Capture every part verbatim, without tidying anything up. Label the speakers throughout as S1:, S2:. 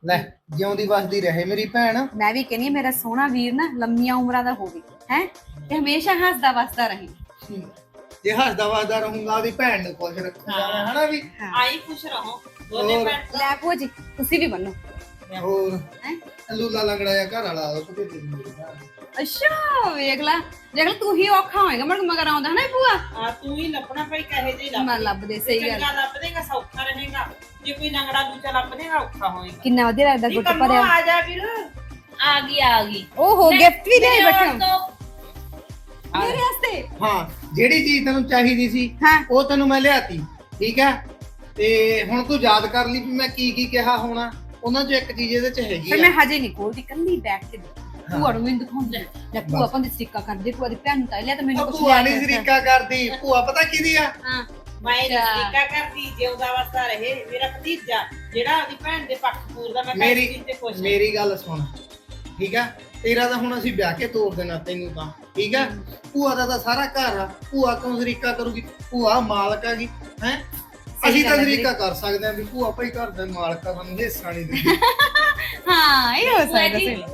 S1: ਲੈ ਜਿਉਂਦੀ ਵਸਦੀ ਰਹੇ ਮੇਰੀ ਭੈਣ।
S2: ਮੈਂ ਵੀ ਕਹਿੰਨੀ ਮੇਰਾ ਸੋਹਣਾ ਵੀਰ ਨਾ ਲੰਮੀਆਂ ਉਮਰਾਂ ਦਾ ਹੋਵੇ ਹੈ ਤੇ ਹਮੇਸ਼ਾ ਹੱਸਦਾ ਵਸਦਾ ਰਹੇ।
S1: ਜੇ ਹੱਸਦਾ ਵਸਦਾ ਰਹੂੰਗਾ ਉਹਦੀ ਭੈਣ ਨੂੰ ਖੁਸ਼ ਰੱਖੂੰਗਾ ਮੈਂ, ਹਨਾ ਵੀ।
S3: ਆਈ ਖੁਸ਼ ਰਹੋ ਦੋਨੇ ਭੈਣ।
S2: ਲੈ ਭੂਆ ਜੀ ਤੁਸੀਂ ਵੀ ਬੰਨੋ।
S1: ਹੋਰ
S2: ਹੈ
S1: ਲੂਲਾ ਲੰਗੜਾ ਜਿਹਾ ਘਰ ਵਾਲਾ ਉਹ ਕਿਤੇ ਦੇ ਮੇਰੇ ਘਰ।
S2: ਅੱਛਾ ਵੇਖ ਲੈ ਦੇਖ ਲੈ ਤੂੰ ਹੀ ਔਖਾ ਹੋਏਗਾ ਮੜ ਮਗਰ ਆਉਂਦਾ ਹਨਾ ਭੂਆ।
S3: ਆ ਤੂੰ ਹੀ ਲੱਭਣਾ ਭਾਈ ਕਹੇ ਜੇ ਲੱਭ
S2: ਮੈਂ ਲੱਭਦੇ ਸਹੀ ਗੱਲ।
S3: ਚੰਗਾ ਲੱਭ ਦੇਗਾ ਸੌਖਾ ਰਹੇਗਾ, ਜੇ ਕੋਈ ਲੰਗੜਾ ਦੂਜਾ ਲੱਭ ਦੇਗਾ ਔਖਾ ਹੋਏਗਾ।
S2: ਕਿੰਨਾ ਵਧੀਆ ਲੱਗਦਾ
S3: ਨੀ
S2: ਗੁੱਟ
S3: ਕੰਮੋਂ
S2: ਭਰਿਆ।
S3: ਆ ਜਾ ਵੀਰ।
S4: ਆ ਗਈ ਆ ਗਈ
S2: ਓਹੋ ਗਿਫਟ ਵੀ ਦੇ ਬੈਠੇ
S4: ਮੇਰੇ
S2: ਮੇਰੇ ਵਾਸਤੇ।
S1: ਹਾਂ ਜਿਹੜੀ ਚੀਜ਼ ਤੈਨੂੰ ਚਾਹੀਦੀ ਸੀ
S2: ਹਾਂ
S1: ਉਹ ਤੈਨੂੰ ਮੈਂ ਲਿਆਤੀ, ਠੀਕ ਹੈ। ਤੇ ਹੁਣ ਤੂੰ ਯਾਦ ਕਰ ਲਈ ਵੀ ਮੈਂ ਕੀ ਕੀ ਕਿਹਾ ਹੋਣਾ। ਉਹਨਾਂ ਚੋਂ ਇੱਕ ਚੀਜ਼ ਇਹਦੇ ਚ ਹੈਗੀ
S2: ਫਿਰ
S1: ਆ।
S2: ਮੈਂ ਹਜੇ ਨਹੀਂ ਖੋਲਦੀ ਕੱਲੀ ਬੈਠ ਕੇ ਭੂਆ ਨੂੰ ਮੈਨੂੰ ਦਿਖਾਉਂਦੇ ਲੈ ਭੂਆ ਆਪਾਂ ਦੀ ਸਟਿੱਕਾ ਕਰਦੇ ਭੂਆ ਦੀ ਭੈਣ ਨੂੰ ਤਾਂ ਲਿਆ ਤਾਂ ਮੈਨੂੰ
S1: ਉਹ
S2: ਕੁਛ
S1: ਭੂਆ
S2: ਲਿਆ
S1: ਨਹੀਂ
S2: ਕੇ ਦਿੱਤਾ।
S1: ਸਰੀਕਾ ਕਰਦੀ, ਭੂਆ ਪਤਾ ਕਿਹਦੀ ਆ?
S2: ਹਾਂ
S3: ਮੈਂ
S2: ਅੱਛਾ।
S3: ਨਿੱਕਾ ਕਰਦੀ ਜਿਉਂਦਾ ਵਸਦਾ ਰਹੇ ਮੇਰਾ ਭਤੀਜਾ ਜਿਹੜਾ ਉਹਦੀ ਭੈਣ ਦੇ ਪੱਖ ਪੂਰਦਾ। ਮੈਂ
S1: ਮੇਰੀ
S3: ਕਹਿੰਦੀ ਤੇ ਖੁਸ਼ ਹਾਂ।
S1: ਮੇਰੀ ਗੱਲ ਸੁਣ, ਠੀਕ ਆ। ਤੇਰਾ ਤਾਂ ਹੁਣ ਅਸੀਂ ਵਿਆਹ ਕੇ ਤੋਰ ਦੇਣਾ ਤੈਨੂੰ ਤਾਂ, ਠੀਕ ਆ। ਭੂਆ ਦਾ ਤਾਂ ਸਾਰਾ ਘਰ ਆ, ਭੂਆ ਕਿਉਂ ਸਰੀਕਾ ਕਰੂਗੀ? ਭੂਆ ਮਾਲਕ ਹੈਗੀ ਹੈ। ਅਸੀਂ ਤਾਂ
S2: ਗੱਲ ਹੈ
S1: ਸਰੀਕਾ ਕਰ ਸਕਦੇ ਹਾਂ ਵੀ ਭੂਆ ਭਾਈ ਘਰ ਦੇ ਮਾਲਕ ਆ, ਸਾਨੂੰ ਹਿੱਸਾ ਨਹੀਂ ਦਿੰਦੀ।
S2: ਹਾਂ ਇਹ ਹੋ
S4: ਭੂਆ
S2: ਸਕਦਾ
S4: ਜੀ।
S2: ਸੀ।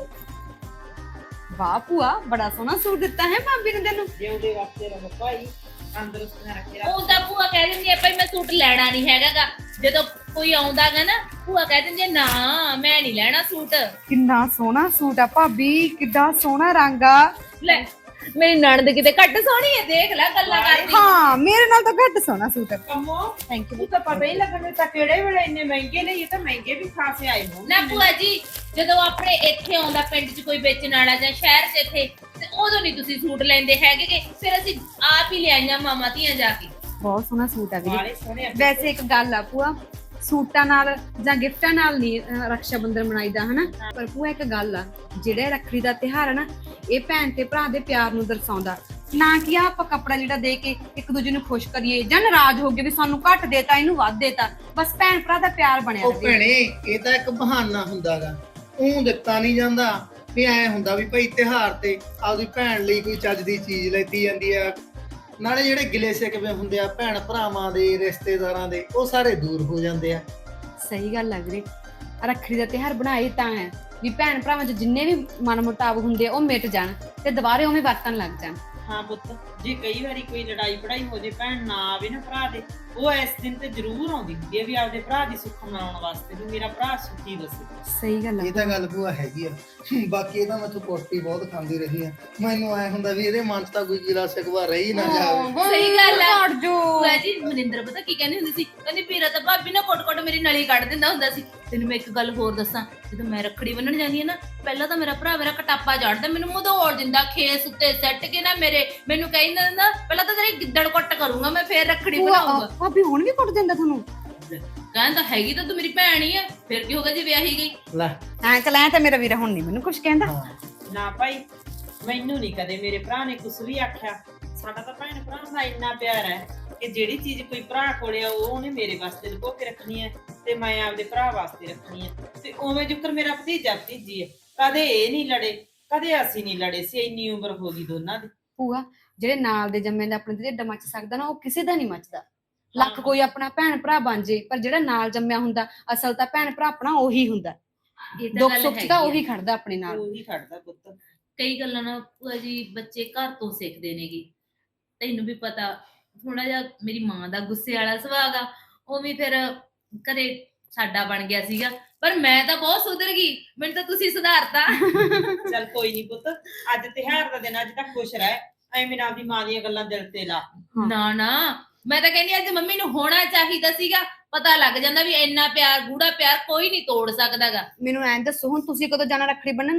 S2: ਵਾਹ ਭੂਆ ਬੜਾ ਸੋਹਣਾ ਸੂਟ ਦਿੱਤਾ ਹੈ ਭਾਬੀ ਨੇ ਤੈਨੂੰ।
S3: ਜਿਉਂਦੇ ਵਾਸਤੇ ਰਹੋ ਭਾਈ, ਤੰਦਰੁਸਤੀਆਂ ਰੱਖੇ ਰੱਖ।
S4: ਉਹ ਤਾਂ ਭੂਆ ਕਹਿ ਦਿੰਦੀ ਆ ਭਾਈ ਮੈਂ ਸੂਟ ਲੈਣਾ ਨਹੀਂ ਹੈਗਾਗਾ। ਜਦੋਂ ਕੋਈ ਆਉਂਦਾਗਾ ਨਾ ਭੂਆ ਕਹਿ ਦਿੰਦੀ ਆ, ਨਾ ਮੈਂ ਨਹੀਂ ਲੈਣਾ ਸੂਟ।
S2: ਕਿੰਨਾ ਸੋਹਣਾ ਸੂਟ ਆ ਭਾਬੀ, ਕਿੱਡਾ ਸੋਹਣਾ ਰੰਗ ਆ।
S4: ਲੈ ਮੇਰੀ ਨਣਦ ਕਿਤੇ ਘੱਟ ਸੋਹਣੀ ਹੈ, ਦੇਖ ਲੈ ਗੱਲਾਂ ਕਰਦੀ।
S2: ਹਾਂ ਮੇਰੇ ਨਾਲ ਤਾਂ ਘੱਟ ਸੋਹਣਾ ਸੂਟ ਆ।
S3: Kammo
S2: thank you.
S3: ਤੂੰ ਤਾਂ ਪਤਾ ਹੀ ਲੱਗਣ ਤਾਂ ਕਿਹੜੇ ਵੇਲੇ ਇੰਨੇ ਮਹਿੰਗੇ ਨੇ, ਇਹ ਤਾਂ ਮਹਿੰਗੇ ਵੀ ਖਾਸੇ ਆਏ ਹੋਣ।
S4: ਨਾ ਭੂਆ ਜੀ ਜਦੋਂ ਆਪਣੇ ਇੱਥੇ ਆਉਂਦਾ ਪਿੰਡ 'ਚ ਕੋਈ ਵੇਚਣ ਵਾਲਾ ਜਾਂ ਸ਼ਹਿਰ 'ਚ ਇੱਥੇ ਤੇ ਉਦੋਂ ਨਹੀਂ ਤੁਸੀਂ ਸੂਟ ਲੈਂਦੇ ਹੈਗੇ ਗੇ। ਫਿਰ ਅਸੀਂ ਆਪ ਹੀ ਲਿਆਈਆਂ ਮਾਮਾ ਧੀਆਂ ਜਾ ਕੇ।
S2: ਬਹੁਤ ਸੋਹਣਾ ਸੂਟ ਆ ਵੀਰੇ।
S3: ਵਾਲੇ ਸੋਹਣੇ ਆ।
S2: ਵੈਸੇ ਇੱਕ ਗੱਲ ਆ ਭੂਆ, ਸੂਟਾਂ ਨਾਲ ਜਾਂ ਗਿਫਟਾਂ ਨਾਲ ਨਹੀਂ ਅਹ, ਰਕਸ਼ਾ ਬੰਧਨ ਮਨਾਈਦਾ ਹਨਾ। ਪਰ ਭੂਆ ਇੱਕ ਗੱਲ ਆ, ਜਿਹੜਾ ਰੱਖੜੀ ਦਾ ਤਿਉਹਾਰ ਹੈ ਨਾ ਇਹ ਭੈਣ ਤੇ ਭਰਾ ਦੇ ਪਿਆਰ ਨੂੰ ਦਰਸਾਉਂਦਾ, ਨਾ ਕਿ ਆ ਆਪਾਂ ਕੱਪੜਾ ਜਿਹੜਾ ਦੇ ਕੇ ਇੱਕ ਦੂਜੇ ਨੂੰ ਖੁਸ਼ ਕਰੀਏ ਜਾਂ ਨਾਰਾਜ਼ ਹੋ ਗਏ ਵੀ ਸਾਨੂੰ ਘੱਟ ਦੇਤਾ ਇਹਨੂੰ ਵੱਧ ਦੇਤਾ। ਬਸ ਭੈਣ ਭਰਾ ਦਾ ਪਿਆਰ ਬਣਿਆ
S1: ਉਹ
S2: ਰਹੇ।
S1: ਭੈਣੇ ਇਹ ਤਾਂ ਇੱਕ ਬਹਾਨਾ ਹੁੰਦਾਗਾ, ਉਹ ਦਿੱਤਾ ਨਹੀਂ ਜਾਂਦਾ। ਵੀ ਐ ਹੁੰਦਾ ਵੀ ਭਾਈ ਤਿਉਹਾਰ ਤੇ ਆਪਦੀ ਭੈਣ ਲਈ ਕੋਈ ਚੱਜ ਦੀ ਚੀਜ਼ ਲੈਤੀ ਜਾਂਦੀ ਆ। ਨਾਲੇ ਜਿਹੜੇ ਗਿਲੇ ਸਿਕਵੇ ਹੁੰਦੇ ਆ ਭੈਣ ਭਰਾਵਾਂ ਦੇ, ਰਿਸ਼ਤੇਦਾਰਾਂ ਦੇ, ਉਹ ਸਾਰੇ ਦੂਰ ਹੋ ਜਾਂਦੇ ਆ।
S2: ਸਹੀ ਗੱਲ ਲੱਗ ਰਹੀ। ਰੱਖੜੀ ਦਾ ਤਿਉਹਾਰ ਬਣਾਏ ਤਾਂ ਹੈ ਵੀ ਭੈਣ ਭਰਾਵਾਂ 'ਚ ਜਿੰਨੇ ਵੀ ਮਨਮੁਟਾਵ ਹੁੰਦੇ ਆ ਉਹ ਮਿਟ ਜਾਣ ਤੇ ਦੁਬਾਰੇ ਉਵੇਂ ਵਰਤਣ ਲੱਗ ਜਾਣ।
S3: ਹਾਂ ਪੁੱਤ, ਜੇ ਕਈ ਵਾਰੀ ਕੋਈ ਲੜਾਈ ਪੜਾਈ ਹੋ ਜੇ, ਭੈਣ ਨਾ ਆਵੇ ਨਾ ਭਰਾ ਦੇ, ਉਹ ਇਸ ਦਿਨ ਤੇ ਜ਼ਰੂਰ ਆਉਂਦੀ ਹੁੰਦੀ ਹੈ ਵੀ ਆਪਦੇ ਭਰਾ ਦੀ ਸੁੱਖ ਮਨਾਉਣ ਵਾਸਤੇ ਵੀ ਮੇਰਾ ਭਰਾ ਸੁਖੀ ਵਸੇ।
S2: ਸਹੀ ਗੱਲ ਆ।
S1: ਇਹ ਤਾਂ ਗੱਲ ਭੂਆ ਹੈਗੀ ਆ। ਬਾਕੀ ਇਹ ਤਾਂ ਮੈਥੋਂ ਕੋਟੀ ਬਹੁਤ ਖਾਂਦੀ ਰਹੀ ਆ। ਮੈਨੂੰ ਐ ਹੁੰਦਾ ਵੀ ਇਹਦੇ ਮਨ 'ਚ ਤਾਂ ਕੋਈ ਗਿਲਾ ਸਿਕਵਾ ਰਹੀ ਨਾ ਜਾਵੇ।
S4: ਸਹੀ ਗੱਲ ਆ।
S2: ਹਟ ਜੋ।
S4: ਭੂਆ ਜੀ ਮਨਿੰਦਰ ਪਤਾ ਕੀ ਕਹਿੰਦੀ ਹੁੰਦੀ ਸੀ, ਕਹਿੰਦੀ ਵੀਰਾ ਤਾਂ ਭਾਬੀ ਨਾ ਕੋਟ-ਕੋਟ ਮੇਰੀ ਨਲੀ ਕੱਢ ਦਿੰਦਾ ਹੁੰਦਾ ਸੀ। ਤੈਨੂੰ ਮੈਂ ਇੱਕ ਗੱਲ ਹੋਰ ਦੱਸਾਂ, ਜਦੋਂ ਮੈਂ ਰੱਖੜੀ ਬੰਨਣ ਜਾਂਦੀ ਆ ਨਾ ਪਹਿਲਾਂ ਤਾਂ ਮੇਰਾ ਭਰਾ ਮੇਰਾ ਕਟਾਪਾ ਝਾੜਦਾ, ਮੈਨੂੰ ਮਧੋੜ ਦਿੰਦਾ ਖੇਸ ਉੱਤੇ ਸੱਟ ਕੇ ਨਾ ਮੇਰੇ, ਮੈਨੂੰ ਕਹਿੰਦਾ ਨਾ ਪਹਿਲਾਂ ਤਾਂ ਤੇਰੀ ਗਿੱਦੜ ਕੁੱਟ ਕਰੂੰਗਾ ਮੈਂ, ਫੇਰ ਰੱਖੜੀ ਬਣਾਉਂਗਾ।
S2: ਭਾਬੀ ਹੁਣ ਵੀ ਕੁੱਟ ਦਿੰਦਾ ਤੁਹਾਨੂੰ?
S4: ਕਹਿੰਦਾ ਹੈਗੀ ਤਾਂ ਤੂੰ ਮੇਰੀ ਭੈਣ ਹੀ ਆ, ਫਿਰ ਕੀ ਹੋਗਾ ਜੇ ਵਿਆਹੀ ਗਈ।
S1: ਲੈ
S2: ਐਂ ਚਲ ਐਂ ਤਾਂ ਮੇਰਾ ਵੀਰਾ ਹੁਣ ਨਹੀਂ ਮੈਨੂੰ ਕੁਝ ਕਹਿੰਦਾ।
S1: ਹਾਂ
S3: ਨਾ ਭਾਈ ਮੈਨੂੰ ਨਹੀਂ ਕਦੇ ਮੇਰੇ ਭਰਾ ਨੇ ਕੁਝ ਵੀ ਆਖਿਆ। ਸਾਡਾ ਤਾਂ ਭੈਣ ਭਰਾ ਦਾ ਇੰਨਾ ਪਿਆਰ ਹੈ ਕਿ ਜਿਹੜੀ ਚੀਜ਼ ਕੋਈ ਭਰਾ ਕੋਲੇ ਆ ਉਹ ਉਹਨੇ ਮੇਰੇ ਵਾਸਤੇ ਲੁਕੋ ਕੇ ਰੱਖਣੀ ਹੈ ਤੇ ਮੈਂ ਆਪਦੇ ਭਰਾ ਵਾਸਤੇ ਰੱਖਣੀ ਹੈ। ਤੇ ਉਵੇਂ ਜੁਕਰ ਮੇਰਾ ਭਤੀਜਾ ਭਤੀਜੀ ਹੈ, ਕਦੇ ਇਹ ਨਹੀਂ ਲੜੇ ਕਦੇ ਅਸੀਂ ਨਹੀਂ ਲੜੇ ਸੀ। ਇੰਨੀ ਉਮਰ ਹੋ ਗਈ ਦੋਨਾਂ ਦੀ।
S2: ਭੂਆ ਜਿਹੜੇ ਨਾਲ ਦੇ ਜੰਮੇ ਦਾ ਆਪਣੇ ਢਿੱਡ ਮੱਚ ਸਕਦਾ ਨਾ ਉਹ ਕਿਸੇ ਦਾ ਨਹੀਂ ਮੱਚਦਾ। ਲੱਖ ਕੋਈ ਆਪਣਾ ਭੈਣ ਭਰਾ ਬਣ ਜੇ ਪਰ ਜਿਹੜਾ ਨਾਲ ਜੰਮਿਆ ਹੁੰਦਾ ਅਸਲ ਤਾਂ ਭੈਣ ਭਰਾ ਆਪਣਾ ਉਹੀ ਹੁੰਦਾ।
S4: ਇਹ ਤਾਂ
S2: ਦੁੱਖ
S4: ਗੱਲ
S2: ਸੁੱਖ 'ਚ
S4: ਹੈਗੀ
S2: ਤਾਂ
S4: ਆ।
S2: ਉਹੀ ਖੜਦਾ ਆਪਣੇ ਨਾਲ।
S3: ਉਹੀ ਖੜਦਾ ਪੁੱਤ।
S4: ਕਈ ਗੱਲਾਂ ਨਾ ਭੂਆ ਜੀ ਬੱਚੇ ਘਰ ਤੋਂ ਸਿੱਖਦੇ ਨੇਗੇ। ਤੈਨੂੰ ਵੀ ਪਤਾ ਥੋੜਾ ਜਿਹਾ ਮੇਰੀ ਮਾਂ ਦਾ ਗੁੱਸੇ ਵਾਲਾ ਸੁਭਾਅ ਆ, ਉਹ ਵੀ ਫਿਰ ਘਰੇ ਸਾਡਾ ਬਣ ਗਿਆ ਸੀਗਾ। ਪਰ ਮੈਂ ਤਾਂ ਬਹੁਤ ਸੁਧਰ ਗਈ, ਮੈਨੂੰ ਤਾਂ ਤੁਸੀਂ ਸੁਧਾਰਤਾ।
S3: ਚੱਲ ਕੋਈ ਨਹੀਂ ਪੁੱਤ, ਅੱਜ ਤਿਉਹਾਰ ਦਾ ਦਿਨ, ਅੱਜ ਤਾਂ ਖੁਸ਼ ਰਹਿ। ਐਵੇਂ ਨਾ ਆਪਦੀ ਮਾਂ ਦੀਆਂ ਗੱਲਾਂ ਦਿਲ ਤੇ ਲਾ।
S4: ਨਾ ਨਾ ਮੈਂ ਤਾਂ ਕਹਿੰਦੀ ਅੱਜ ਮੰਮੀ ਨੂੰ ਹੋਣਾ ਚਾਹੀਦਾ ਸੀਗਾ, ਪਤਾ ਲੱਗ ਜਾਂਦਾ ਵੀ ਇੰਨਾ ਪਿਆਰ ਗੂੜਾ ਪਿਆਰ ਕੋਈ ਨਹੀਂ ਤੋੜ ਸਕਦਾਗਾ।
S2: ਮੈਨੂੰ ਐਂ ਦੱਸੋ ਹੁਣ ਤੁਸੀਂ ਕਦੋਂ ਜਾਣਾ ਰੱਖੜੀ ਬੰਨਣ?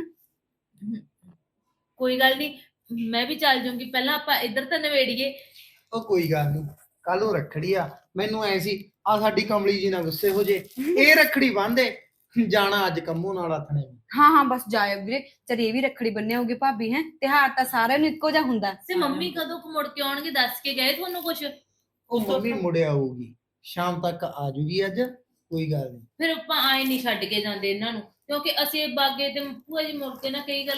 S4: ਕੋਈ ਗੱਲ ਨਹੀਂ ਮੈਂ ਵੀ ਚੱਲ ਜਾਊਂਗੀ, ਪਹਿਲਾਂ ਆਪਾਂ ਇੱਧਰ ਤਾਂ ਨਵੇੜੀਏ।
S1: ਉਹ ਕੋਈ ਗੱਲ ਨਹੀਂ, ਕੱਲ ਨੂੰ ਰੱਖੜੀ ਆ। ਮੈਨੂੰ ਐ ਸੀ ਆ ਸਾਡੀ ਕਮਲੀ ਜੀ ਨਾ ਗੁੱਸੇ ਹੋ ਜੇ, ਇਹ ਰੱਖੜੀ ਬੰਨ੍ਹਦੇ ਜਾਣਾ ਅੱਜ ਕੰਮੋਂ ਨਾਲ ਆਥਣੇ।
S2: ਹਾਂ ਹਾਂ ਬਸ ਜਾਇਓ ਵੀਰੇ, ਚਲ ਇਹ ਵੀ ਰੱਖੜੀ ਬੰਨੇ ਹੋਗੇ ਭਾਬੀ। ਹੈ ਤਿਉਹਾਰ ਤਾਂ ਸਾਰਿਆਂ ਨੂੰ ਇੱਕੋ ਜਿਹਾ ਹੁੰਦਾ।
S4: ਤੇ ਮੰਮੀ ਕਦੋਂ ਕੁ ਮੁੜ ਕੇ ਆਉਣਗੇ, ਦੱਸ ਕੇ ਗਏ ਤੁਹਾਨੂੰ ਕੁਛ?
S1: ਉਹ ਮੰਮੀ ਮੁੜਿਆ ਆਊਗੀ, ਸ਼ਾਮ ਤੱਕ ਆ ਜੂਗੀ ਅੱਜ, ਕੋਈ ਗੱਲ ਨਹੀਂ।
S4: ਫਿਰ ਆਪਾਂ ਆਏ ਨਹੀਂ ਛੱਡ ਕੇ ਜਾਂਦੇ ਇਹਨਾਂ ਨੂੰ, ਕਿਉਂਕਿ ਅਸੀਂ ਬਾਗੇ ਤੇ ਭੂਆ ਜੀ ਮੁੜ ਕੇ ਨਾ ਕਈ ਗੱਲ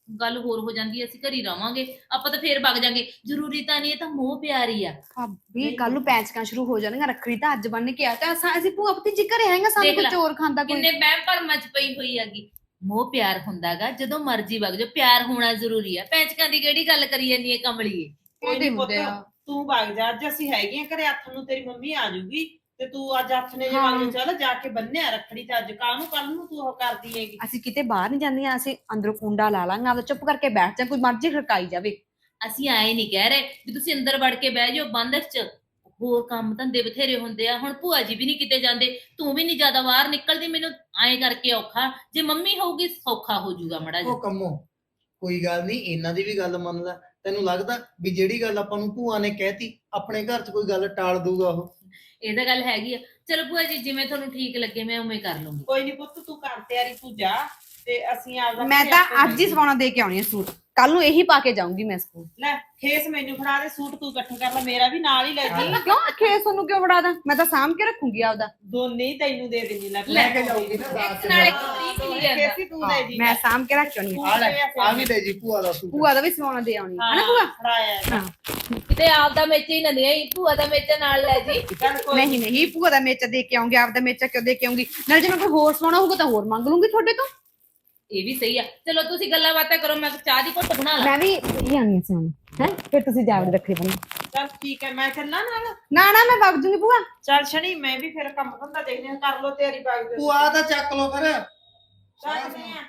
S4: ਗੱਲ ਹੋਰ ਹੋ ਜਾਂਦੀ ਹੈ, ਅਸੀਂ ਘਰੀ ਰਵਾਂਗੇ, ਆਪਾਂ ਤਾਂ ਫੇਰ ਵਗ ਜਾਾਂਗੇ। ਜ਼ਰੂਰੀ ਤਾਂ ਨਹੀਂ, ਇਹ ਤਾਂ ਮੋਹ ਪਿਆਰ ਹੀ ਆ।
S2: ਭਾਬੀ ਕੱਲ ਨੂੰ ਪੈਂਚਕਾਂ ਸ਼ੁਰੂ ਹੋ ਜਾਣਗੀਆਂ। ਰੱਖੜੀ ਤਾਂ ਅੱਜ ਬੰਨ ਕੇ ਆ ਤਾਂ ਅਸਾਂ ਅਸੀਂ ਭੂਆ ਪਤੀ ਜੀ ਘਰੇ ਆਏਗਾ, ਸਾਨੂੰ
S4: ਦੇਖ
S2: ਕੋਈ
S4: ਲੈ,
S2: ਚੋਰ ਖਾਂਦਾ ਕੋਈ।
S4: ਕਿੰਨੇ ਵਹਿਮ ਭਰਮਾਂ ਚ ਪਈ ਹੋਈ ਹੈਗੀ। ਮੋਹ ਪਿਆਰ ਹੁੰਦਾਗਾ ਜਦੋਂ ਮਰਜ਼ੀ ਵਗ ਜਾਓ, ਪਿਆਰ ਹੋਣਾ ਜ਼ਰੂਰੀ ਆ। ਪੈਂਚਕਾਂ ਦੀ ਕਿਹੜੀ ਗੱਲ ਕਰੀ ਜਾਂਦੀ ਹੈ ਕਮਲੀਏ।
S3: ਕੋਈ
S2: ਇਹਦੇ
S3: ਨੀ ਪੁੱਤ,
S2: ਹੁੰਦੇ ਆ।
S3: ਤੂੰ ਵਗ ਜਾ, ਅੱਜ ਅਸੀਂ ਹੈਗੀਆਂ ਘਰੇ। ਹੱਥ ਨੂੰ ਤੇਰੀ ਮੰਮੀ ਆ ਜਾਊਗੀ ਤੇ ਤੂੰ ਅੱਜ ਹੱਥ ਨੇ ਜੇ
S2: ਹਾਂ।
S3: ਵਗ ਜਾ, ਚੱਲ ਜਾ ਕੇ ਬੰਨਿਆ ਰੱਖੜੀ। ਤੇ ਅੱਜ ਕਾਹਨੂੰ ਕੱਲ ਨੂੰ ਤੂੰ ਉਹ ਕਰਦੀ ਹੈਗੀ।
S2: ਅਸੀਂ ਕਿਤੇ ਬਾਹਰ ਨਹੀਂ ਜਾਂਦੀਆਂ, ਅਸੀਂ ਅੰਦਰੋਂ ਕੁੰਡਾ ਲਾ ਲਾਂਗਾ, ਆਪਦਾ ਚੁੱਪ ਕਰਕੇ ਬੈਠ ਜਾ, ਕੋਈ ਮਰਜ਼ੀ ਖੜਕਾਈ ਜਾਵੇ।
S4: ਅਸੀਂ ਆਏ ਨਹੀਂ ਕਹਿ ਰਹੇ ਵੀ ਤੁਸੀਂ ਅੰਦਰ ਵੜ ਕੇ ਬਹਿ ਜਾਓ ਬੰਦ ਚ। ਹੋਰ ਕੰਮ ਧੰਦੇ ਬਥੇਰੇ ਹੁੰਦੇ ਆ। ਹੁਣ ਭੂਆ ਜੀ ਵੀ ਨਹੀਂ ਕਿਤੇ ਜਾਂਦੇ, ਤੂੰ ਵੀ ਨਹੀਂ ਜ਼ਿਆਦਾ ਬਾਹਰ ਨਿਕਲਦੀ। ਮੈਨੂੰ ਐਂ ਕਰਕੇ ਔਖਾ, ਜੇ ਮੰਮੀ ਹੋਊਗੀ ਸੌਖਾ ਹੋ ਜਾਊਗਾ ਮੜਾ ਜਿਹਾ।
S1: ਉਹ ਕੰਮੋ ਕੋਈ ਗੱਲ ਨਹੀਂ, ਇਹਨਾਂ ਦੀ ਵੀ ਗੱਲ ਮੰਨ ਲੈ। ਤੈਨੂੰ ਲੱਗਦਾ ਵੀ ਜਿਹੜੀ ਗੱਲ ਆਪਾਂ ਨੂੰ ਭੂਆ ਨੇ ਕਹਿਤੀ ਆਪਣੇ ਘਰ 'ਚ ਕੋਈ ਗੱਲ ਟਾਲ ਦੂਗਾ ਉਹ?
S4: ਇਹ ਤਾਂ ਗੱਲ ਹੈਗੀ ਆ। ਚਲੋ ਭੂਆ ਜੀ ਜਿਵੇਂ ਤੁਹਾਨੂੰ ਠੀਕ ਲੱਗੇ ਮੈਂ ਉਵੇਂ ਕਰ ਲੂੰਗੀ।
S3: ਕੋਈ ਨੀ ਪੁੱਤ, ਤੂੰ ਕਰ ਤਿਆਰੀ, ਤੂੰ ਜਾ ਤੇ ਅਸੀਂ ਆਪਦਾ
S2: ਮੈਂ
S3: ਘਰੇ
S2: ਤਾਂ
S3: ਆਪੇ
S2: ਅੱਜ ਹੀ ਸਵਾਉਣਾ ਦੇ ਕੇ ਆਉਣੀ ਆ ਸੂਟ, ਕੱਲ ਨੂੰ ਇਹੀ ਪਾ ਕੇ ਜਾਊਂਗੀ ਮੈਂ ਸਕੂਲ।
S3: ਲੈ ਖੇਸ ਮੈਨੂੰ ਫੜਾ ਦੇ, ਸੂਟ ਤੂੰ ਇਕੱਠੇ ਕਰ ਲੈ, ਮੇਰਾ ਵੀ ਨਾਲ ਹੀ ਲੈ ਜੀ।
S2: ਕਿਉਂ ਖੇਸ ਤੁਹਾਨੂੰ ਕਿਉਂ ਫੜਾ ਦਾਂ? ਮੈਂ ਤਾਂ ਸਾਂਭ ਕੇ ਰੱਖੂੰਗੀ ਆਪਦਾ।
S3: ਦੋਨੇ ਹੀ ਤੈਨੂੰ ਦੇ ਦੇਣੀ। ਲੈ
S1: ਲੈ ਕੇ ਜਾਊਗੀ ਨਾ ਰਾਤ
S4: ਇੱਕ
S1: 'ਚ।
S4: ਨਾਲ ਇੱਕ ਤਰੀਕ ਨਹੀਂ ਜਾਂਦਾ।
S3: ਖੇਸੀ ਤੂੰ ਲੈ ਜੀ।
S2: ਮੈਂ ਸਾਂਭ ਕੇ ਰੱਖ ਆਉਣੀ ਆ।
S1: ਆ ਲੈ ਆ ਵੀ ਲੈ ਜੀ ਭੂਆ ਦਾ ਸੂਟ।
S2: ਭੂਆ ਦਾ ਵੀ ਸਵਾਉਣਾ ਦੇ ਆਉਣੀ ਹੈ ਨਾ
S3: ਹਾਂ
S2: ਭੂਆ?
S3: ਫੜਾਇਆ।
S2: ਹਾਂ
S4: ਕਿਤੇ ਆਪਦਾ ਮੇਚੇ ਹੀ ਨਾ ਦੇ, ਭੂਆ ਦਾ ਮੇਚਾ ਨਾਲ ਲੈ ਜੀ।
S3: ਚੱਲ ਕੋਈ
S2: ਨਹੀਂ ਨਹੀਂ, ਭੂਆ ਦਾ ਮੇਚਾ ਦੇ ਕੇ ਆਉਂਗੀ, ਆਪਦਾ ਮੇਚਾ ਕਿਉਂ ਦੇ ਕੇ ਆਉਂਗੀ? ਨਾਲ ਜੇ ਮੈਂ ਕੋਈ ਹੋਰ ਸਵਾਉਣਾ ਹੋਊਗਾ ਤਾਂ ਹੋਰ ਮੰਗ ਲੂੰਗੀ ਤੁਹਾਡੇ ਤੋਂ।
S4: ਇਹ ਵੀ ਸਹੀ ਆ। ਚਲੋ ਤੁਸੀਂ ਗੱਲਾਂ ਬਾਤਾਂ ਕਰੋ, ਮੈਂ ਚਾਹ ਦੀ ਘੁੱਟ ਬਣਾ ਲਾਂ।
S2: ਮੈਂ ਵੀ ਇਹ ਆਉਣੀ ਸੀ ਹੈ, ਫਿਰ ਤੁਸੀਂ ਜਾਵੜ ਰੱਖੀ ਬੰਨ।
S3: ਚੱਲ ਠੀਕ ਹੈ, ਮੈਂ ਚੱਲਾਂ ਨਾਲ।
S2: ਨਾ ਨਾ ਮੈਂ ਵਗ ਜੂੰਗੀ ਭੂਆ।
S3: ਚੱਲ ਸ਼ਨੀ, ਮੈਂ ਵੀ ਫਿਰ ਕੰਮ ਧੰਦਾ ਦੇਖਦੇ ਹਾਂ, ਕਰ ਲੋ ਤੇਰੀ ਬਾਗ ਦੇ।
S1: ਭੂਆ ਦਾ ਚੱਕ ਲੋ ਫਿਰ।
S3: ਚੱਕਦੇ ਆ।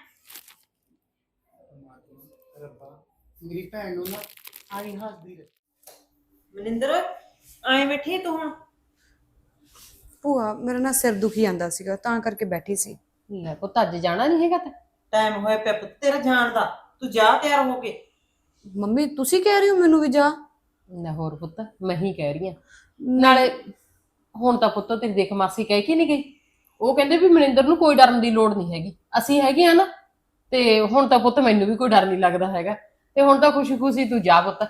S1: ਰੱਬਾ ਮੇਰੀ ਭੈਣ ਨੂੰ ਨਾ ਆਈ ਹੱਸਦੀ ਰਹੇ।
S3: ਮਨਿੰਦਰ ਐਂ ਬੈਠੀ ਤੂੰ ਹੁਣ?
S2: ਭੂਆ ਮੇਰਾ ਨਾ ਸਿਰ ਦੁਖੀ ਜਾਂਦਾ ਸੀਗਾ, ਤਾਂ ਕਰਕੇ ਬੈਠੀ ਸੀ।
S5: ਲੈ ਪੁੱਤ ਅੱਜ ਜਾਣਾ ਨਹੀਂ ਹੈਗਾ ਤੇ
S3: ਟਾਈਮ ਹੋਇਆ ਪਿਆ ਪੁੱਤ ਤੇਰਾ ਜਾਣ ਦਾ, ਤੂੰ ਜਾ ਤਿਆਰ ਹੋ ਕੇ।
S2: ਮੰਮੀ ਤੁਸੀਂ ਕਹਿ ਰਹੇ ਹੋ ਮੈਨੂੰ ਵੀ ਜਾ?
S5: ਲੈ ਹੋਰ ਪੁੱਤ ਮੈਂ ਹੀ ਕਹਿ ਰਹੀ ਆ। ਨਾਲੇ ਹੁਣ ਤਾਂ ਪੁੱਤ ਤੇਰੀ ਦੇਖ ਮਾਸੀ ਕਹਿ ਕੇ ਨਹੀਂ ਗਈ, ਉਹ ਕਹਿੰਦੇ ਵੀ ਮਨਿੰਦਰ ਨੂੰ ਕੋਈ ਡਰਨ ਦੀ ਲੋੜ ਨਹੀਂ ਹੈਗੀ, ਅਸੀਂ ਹੈਗੇ ਆ ਨਾ। ਤੇ ਹੁਣ ਤਾਂ ਪੁੱਤ ਮੈਨੂੰ ਵੀ ਕੋਈ ਡਰ ਨਹੀਂ ਲੱਗਦਾ ਹੈਗਾ, ਤੇ ਹੁਣ ਤਾਂ ਖੁਸ਼ੀ ਖੁਸ਼ੀ ਤੂੰ ਜਾ ਪੁੱਤ।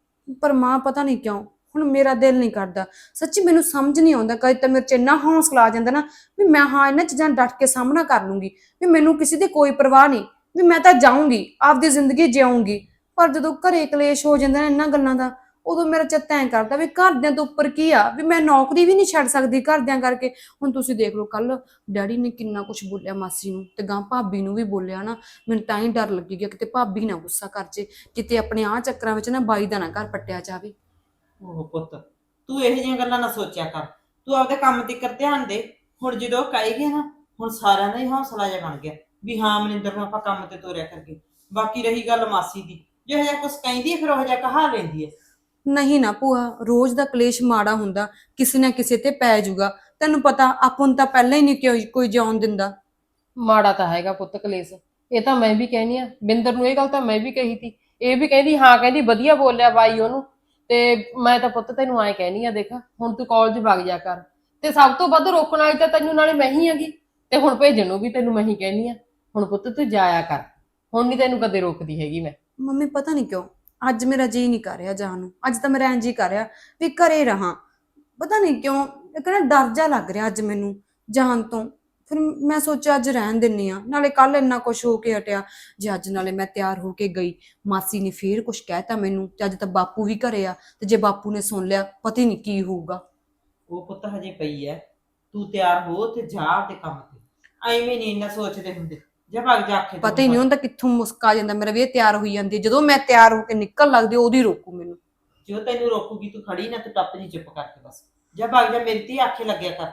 S2: ਪਰ ਮਾਂ ਪਤਾ ਨਹੀਂ ਕਿਉਂ ਹੁਣ ਮੇਰਾ ਦਿਲ ਨਹੀਂ ਕਰਦਾ। ਸੱਚੀ ਮੈਨੂੰ ਸਮਝ ਨਹੀਂ ਆਉਂਦਾ, ਕਦੇ ਤਾਂ ਮੇਰੇ ਚ ਇੰਨਾ ਹੌਸਲਾ ਆ ਜਾਂਦਾ ਨਾ ਵੀ ਮੈਂ ਹਾਂ ਇਹਨਾਂ ਚੀਜ਼ਾਂ ਡਟ ਕੇ ਸਾਹਮਣਾ ਕਰ ਲੂੰਗੀ, ਵੀ ਮੈਨੂੰ ਕਿਸੇ ਦੀ ਕੋਈ ਪਰਵਾਹ ਨਹੀਂ, ਵੀ ਮੈਂ ਤਾਂ ਜਾਊਂਗੀ ਆਪਦੀ ਜ਼ਿੰਦਗੀ ਜਿਊਂਗੀ। ਪਰ ਜਦੋਂ ਘਰੇ ਕਲੇਸ਼ ਹੋ ਜਾਂਦਾ ਨਾ ਇਹਨਾਂ ਗੱਲਾਂ ਦਾ, ਉਦੋਂ ਮੇਰਾ ਚਿੱਤ ਐਂ ਕਰਦਾ ਵੀ ਘਰਦਿਆਂ ਤੋਂ ਉੱਪਰ ਕੀ ਆ, ਵੀ ਮੈਂ ਨੌਕਰੀ ਵੀ ਨਹੀਂ ਛੱਡ ਸਕਦੀ ਘਰਦਿਆਂ ਕਰਕੇ। ਹੁਣ ਤੁਸੀਂ ਦੇਖ ਲਓ ਕੱਲ ਡੈਡੀ ਨੇ ਕਿੰਨਾ ਕੁਝ ਬੋਲਿਆ ਮਾਸੀ ਨੂੰ, ਤੇ ਗਾਂ ਭਾਬੀ ਨੂੰ ਵੀ ਬੋਲਿਆ ਨਾ। ਮੈਨੂੰ ਤਾਂ ਹੀ ਡਰ ਲੱਗੀ ਗਿਆ ਕਿਤੇ ਭਾਬੀ ਨਾ ਗੁੱਸਾ ਕਰ ਜੇ, ਕਿਤੇ ਆਪਣੇ ਆਹ ਚੱਕਰਾਂ ਵਿੱਚ ਨਾ ਬਾਈ ਦਾ ਨਾ ਘਰ ਪੱਟਿਆ ਜਾਵੇ।
S3: ਉਹ ਪੁੱਤ ਤੂੰ ਇਹੋ ਜਿਹੀਆਂ ਗੱਲਾਂ ਨਾ ਸੋਚਿਆ ਕਰ, ਤੂੰ ਆਪਦੇ ਕੰਮ ਤੇ ਕਰ ਧਿਆਨ ਦੇ। ਹੁਣ ਜਦੋਂ ਕਹੇਗੀ ਨਾ, ਹੁਣ ਸਾਰਿਆਂ ਦਾ ਹੀ ਹੌਸਲਾ ਜਿਹਾ ਬਣ ਗਿਆ ਵੀ ਹਾਂ ਮਨਿੰਦਰ ਨੂੰ ਆਪਾਂ ਕੰਮ ਤੇ ਤੋਰਿਆ ਕਰਕੇ। ਬਾਕੀ ਰਹੀ ਗੱਲ ਮਾਸੀ ਦੀ, ਜਿਹੋ ਜਿਹਾ ਕੁਛ ਕਹਿੰਦੀ ਹੈ ਫਿਰ ਉਹ ਜਿਹਾ ਕਹਾ ਲੈਂਦੀ ਹੈ।
S2: ਨਹੀਂ ਨਾ ਭੂਆ, ਰੋਜ਼ ਦਾ ਕਲੇਸ਼ ਮਾੜਾ ਹੁੰਦਾ, ਕਿਸੇ ਨਾ ਕਿਸੇ ਤੇ ਪੈ ਜਾਊਗਾ। ਤੈਨੂੰ ਪਤਾ ਆਪਾਂ ਨੂੰ ਤਾਂ ਪਹਿਲਾਂ ਹੀ ਨਹੀਂ ਕੋਈ ਕੋਈ ਜਾਣ ਦਿੰਦਾ।
S5: ਮਾੜਾ ਤਾਂ ਹੈਗਾ ਪੁੱਤ ਕਲੇਸ਼, ਇਹ ਤਾਂ ਮੈਂ ਵੀ ਕਹਿਨੀ ਆ। ਬਿੰਦਰ ਨੂੰ ਇਹ ਗੱਲ ਤਾਂ ਮੈਂ ਵੀ ਕਹੀ ਤੀ, ਇਹ ਵੀ ਕਹਿੰਦੀ ਹਾਂ, ਕਹਿੰਦੀ ਵਧੀਆ ਬੋਲਿਆ ਬਾਈ ਉਹਨੂੰ। ਤੇ ਮੈਂ ਤਾਂ ਪੁੱਤ ਤੈਨੂੰ ਐਂ ਕਹਿਨੀ ਆ, ਦੇਖ ਹੁਣ ਤੂੰ ਕਾਲਜ ਵਗ ਜਾ ਕਰ, ਤੇ ਸਭ ਤੋਂ ਵੱਧ ਰੋਕਣ ਵਾਲੀ ਤਾਂ ਤੈਨੂੰ ਨਾਲੇ ਮੈਂ ਹੀ ਹੈਗੀ, ਤੇ ਹੁਣ ਭੇਜਣ ਨੂੰ ਵੀ ਤੈਨੂੰ ਮੈਂ ਹੀ ਕਹਿਨੀ ਆ। ਹੁਣ ਪੁੱਤ ਤੂੰ ਜਾਇਆ ਕਰ, ਹੁਣ ਨਹੀਂ ਤੈਨੂੰ ਕਦੇ ਰੋਕਦੀ ਹੈਗੀ ਮੈਂ।
S2: ਮੰਮੀ ਪਤਾ ਨਹੀਂ ਕਿਉਂ ਅੱਜ ਮੇਰਾ ਜੀ ਨਹੀਂ ਕਰ ਰਿਹਾ ਜਾਣ ਨੂੰ। ਅੱਜ ਤਾਂ ਮੇਰਾ ਇੰਜ ਹੀ ਕਰ ਰਿਹਾ ਵੀ ਘਰੇ ਰਹਾਂ। ਪਤਾ ਨਹੀਂ ਕਿਉਂ ਇੱਕ ਨਾ ਡਰ ਜਾ ਲੱਗ ਰਿਹਾ ਅੱਜ ਮੈਨੂੰ ਜਾਣ ਤੋਂ। ਫਿਰ ਮੈਂ ਸੋਚਿਆ ਅੱਜ ਰਹਿਣ ਦਿੰਨੀ ਆ, ਨਾਲੇ ਕੱਲ ਇੰਨਾ ਕੁਛ ਹੋ ਕੇ ਹਟਿਆ। ਜੇ ਅੱਜ ਨਾਲੇ ਮੈਂ ਤਿਆਰ ਹੋ ਕੇ ਗਈ, ਮਾਸੀ ਨੇ ਫੇਰ ਕੁਛ ਕਹਿਤਾ ਮੈਨੂੰ, ਤੇ ਅੱਜ ਤਾਂ ਬਾਪੂ ਵੀ ਘਰੇ ਆ, ਤੇ ਜੇ ਬਾਪੂ ਨੇ ਸੁਣ ਲਿਆ ਪਤਾ ਨਹੀਂ ਕੀ ਹੋਊਗਾ।
S3: ਉਹ ਪੁੱਤ ਹਜੇ ਪਈ ਐ, ਤੂੰ ਤਿਆਰ ਹੋ ਤੇ ਜਾ ਆਪਦੇ ਕੰਮ ਤੇ। ਐਵੇਂ ਨਹੀਂ ਇੰਨਾ ਸੋਚਦੇ ਹੁੰਦੇ, ਜਾ ਭੱਗ ਜਾ ਕੇ।
S2: ਪਤਾ ਹੀ ਨਹੀਂ ਹੁੰਦਾ ਕਿੱਥੋਂ ਮੁਸਕਾ ਜਾਂਦਾ ਮੇਰਾ ਵੀ ਇਹ ਤਿਆਰ ਹੋਈ ਜਾਂਦੀ ਹੈ। ਜਦੋਂ ਮੈਂ ਤਿਆਰ ਹੋ ਕੇ ਨਿਕਲ ਲੱਗਦੀ ਉਹਦੀ ਰੋਕੂ ਮੈਨੂੰ।
S3: ਜੋ ਤੈਨੂੰ ਰੋਕੂਗੀ ਤੂੰ ਖੜੀ ਨਾ, ਤੂੰ ਟੱਪ ਜੀ ਚੁੱਪ ਕਰਕੇ ਬਸ। ਜਾ ਭੱਗ ਜਾ, ਮੇਰੀ ਧੀ ਆਖੇ ਲੱਗਿਆ ਕਰ।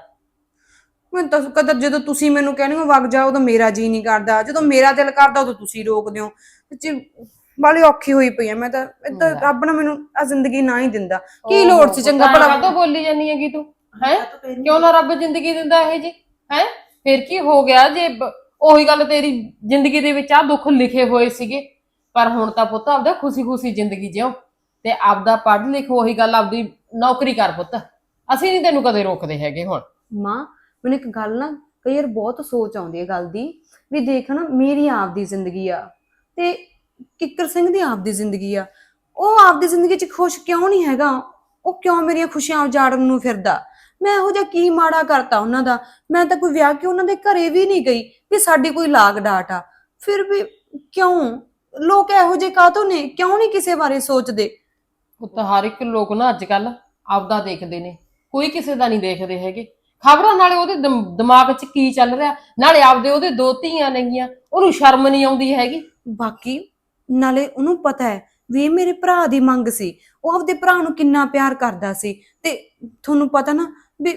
S2: ਮੈਂ ਤਾਂ ਕਦਰ ਜਦੋਂ ਤੁਸੀਂ ਮੈਨੂੰ ਕਹਿੰਦੇ ਹੋ ਵਗ ਜਾ, ਉਦੋਂ ਮੇਰਾ ਜੀ ਨਹੀਂ ਕਰਦਾ, ਜਦੋਂ ਮੇਰਾ ਦਿਲ ਕਰਦਾ ਉਦੋਂ ਤੁਸੀਂ ਰੋਕਦੇ ਹੋ। ਸੱਚੀ ਬਾਲੀ ਔਖੀ ਹੋਈ ਪਈ ਆ ਮੈਂ ਤਾਂ। ਏਦਾਂ ਰੱਬ ਨਾ ਮੈਨੂੰ ਆ ਜ਼ਿੰਦਗੀ ਨਾ ਹੀ ਦਿੰਦਾ, ਕੀ ਲੋੜ ਸੀ ਚੰਗਾ ਭਲਾ।
S5: ਕਾਹਤੋਂ ਬੋਲੀ ਜਾਨੀ ਹੈਗੀ ਤੂੰ ਹੈ? ਕਿਉਂ ਨਾ ਰੱਬ ਜ਼ਿੰਦਗੀ ਦਿੰਦਾ ਇਹ ਜੀ ਹੈ? ਫਿਰ ਕੀ ਹੋ ਗਿਆ ਜੇ ਉਹੀ ਗੱਲ ਤੇਰੀ ਜ਼ਿੰਦਗੀ ਦੇ ਵਿੱਚ ਆ ਦੁੱਖ ਲਿਖੇ ਹੋਏ ਸੀਗੇ। ਪਰ ਹੁਣ ਤਾਂ ਪੁੱਤ ਆਪਦਾ ਖੁਸ਼ੀ ਖੁਸ਼ੀ ਜ਼ਿੰਦਗੀ ਜਿਉ, ਤੇ ਆਪਦਾ ਪੜ੍ਹ ਲਿਖ, ਉਹੀ ਗੱਲ ਆਪਦੀ ਨੌਕਰੀ ਕਰ ਪੁੱਤ। ਅਸੀਂ ਨਹੀਂ ਤੈਨੂੰ ਕਦੇ ਰੋਕਦੇ ਹੈਗੇ। ਹੁਣ
S2: ਮਾਂ ਮੈਨੂੰ ਇੱਕ ਗੱਲ ਨਾ ਕਈ ਵਾਰ ਬਹੁਤ ਸੋਚ ਆਉਂਦੀ ਹੈ ਗੱਲ ਦੀ, ਵੀ ਦੇਖ ਨਾ ਮੇਰੀ ਆਪਦੀ ਜ਼ਿੰਦਗੀ ਆ ਤੇ ਕਿੱਕਰ ਸਿੰਘ ਦੀ ਆਪਦੀ ਜ਼ਿੰਦਗੀ ਆ। ਉਹ ਆਪਦੀ ਜ਼ਿੰਦਗੀ 'ਚ ਖੁਸ਼ ਕਿਉਂ ਨਹੀਂ ਹੈਗਾ? ਉਹ ਕਿਉਂ ਮੇਰੀਆਂ ਖੁਸ਼ੀਆਂ ਉਜਾੜਨ ਨੂੰ ਫਿਰਦਾ? ਮੈਂ ਇਹੋ ਜਿਹਾ ਕੀ ਮਾੜਾ ਕਰਤਾ ਉਹਨਾਂ ਦਾ? ਮੈਂ ਤਾਂ ਕੋਈ ਵਿਆਹ ਕੇ ਉਹਨਾਂ ਦੇ ਘਰੇ ਵੀ ਨਹੀਂ ਗਈ ਵੀ ਸਾਡੀ ਕੋਈ ਲਾਗ ਡਾਟ ਆ। ਫਿਰ ਵੀ ਕਿਉਂ ਲੋਕ ਇਹੋ ਜਿਹੇ ਕਾਹਤੋਂ ਨੇ, ਕਿਉਂ ਨਹੀਂ ਕਿਸੇ ਬਾਰੇ ਸੋਚਦੇ?
S5: ਉਹ ਤਾਂ ਹਰ ਇੱਕ ਲੋਕ ਨਾ ਅੱਜ ਕੱਲ ਆਪਦਾ ਦੇਖਦੇ ਨੇ, ਕੋਈ ਕਿਸੇ ਦਾ ਨਹੀਂ ਦੇਖਦੇ ਹੈਗੇ। ਖਬਰਾਂ ਨਾਲੇ ਉਹਦੇ ਦਿਮ- ਦਿਮਾਗ 'ਚ ਕੀ ਚੱਲ ਰਿਹਾ, ਨਾਲੇ ਆਪਦੇ ਉਹਦੇ ਦੋ ਧੀਆਂ ਨੇਗੀਆਂ, ਉਹਨੂੰ ਸ਼ਰਮ ਨਹੀਂ ਆਉਂਦੀ ਹੈਗੀ।
S2: ਬਾਕੀ ਨਾਲੇ ਉਹਨੂੰ ਪਤਾ ਹੈ ਵੀ ਇਹ ਮੇਰੇ ਭਰਾ ਦੀ ਮੰਗ ਸੀ, ਉਹ ਆਪਦੇ ਭਰਾ ਨੂੰ ਕਿੰਨਾ ਪਿਆਰ ਕਰਦਾ ਸੀ। ਤੇ ਤੁਹਾਨੂੰ ਪਤਾ ਨਾ ਵੀ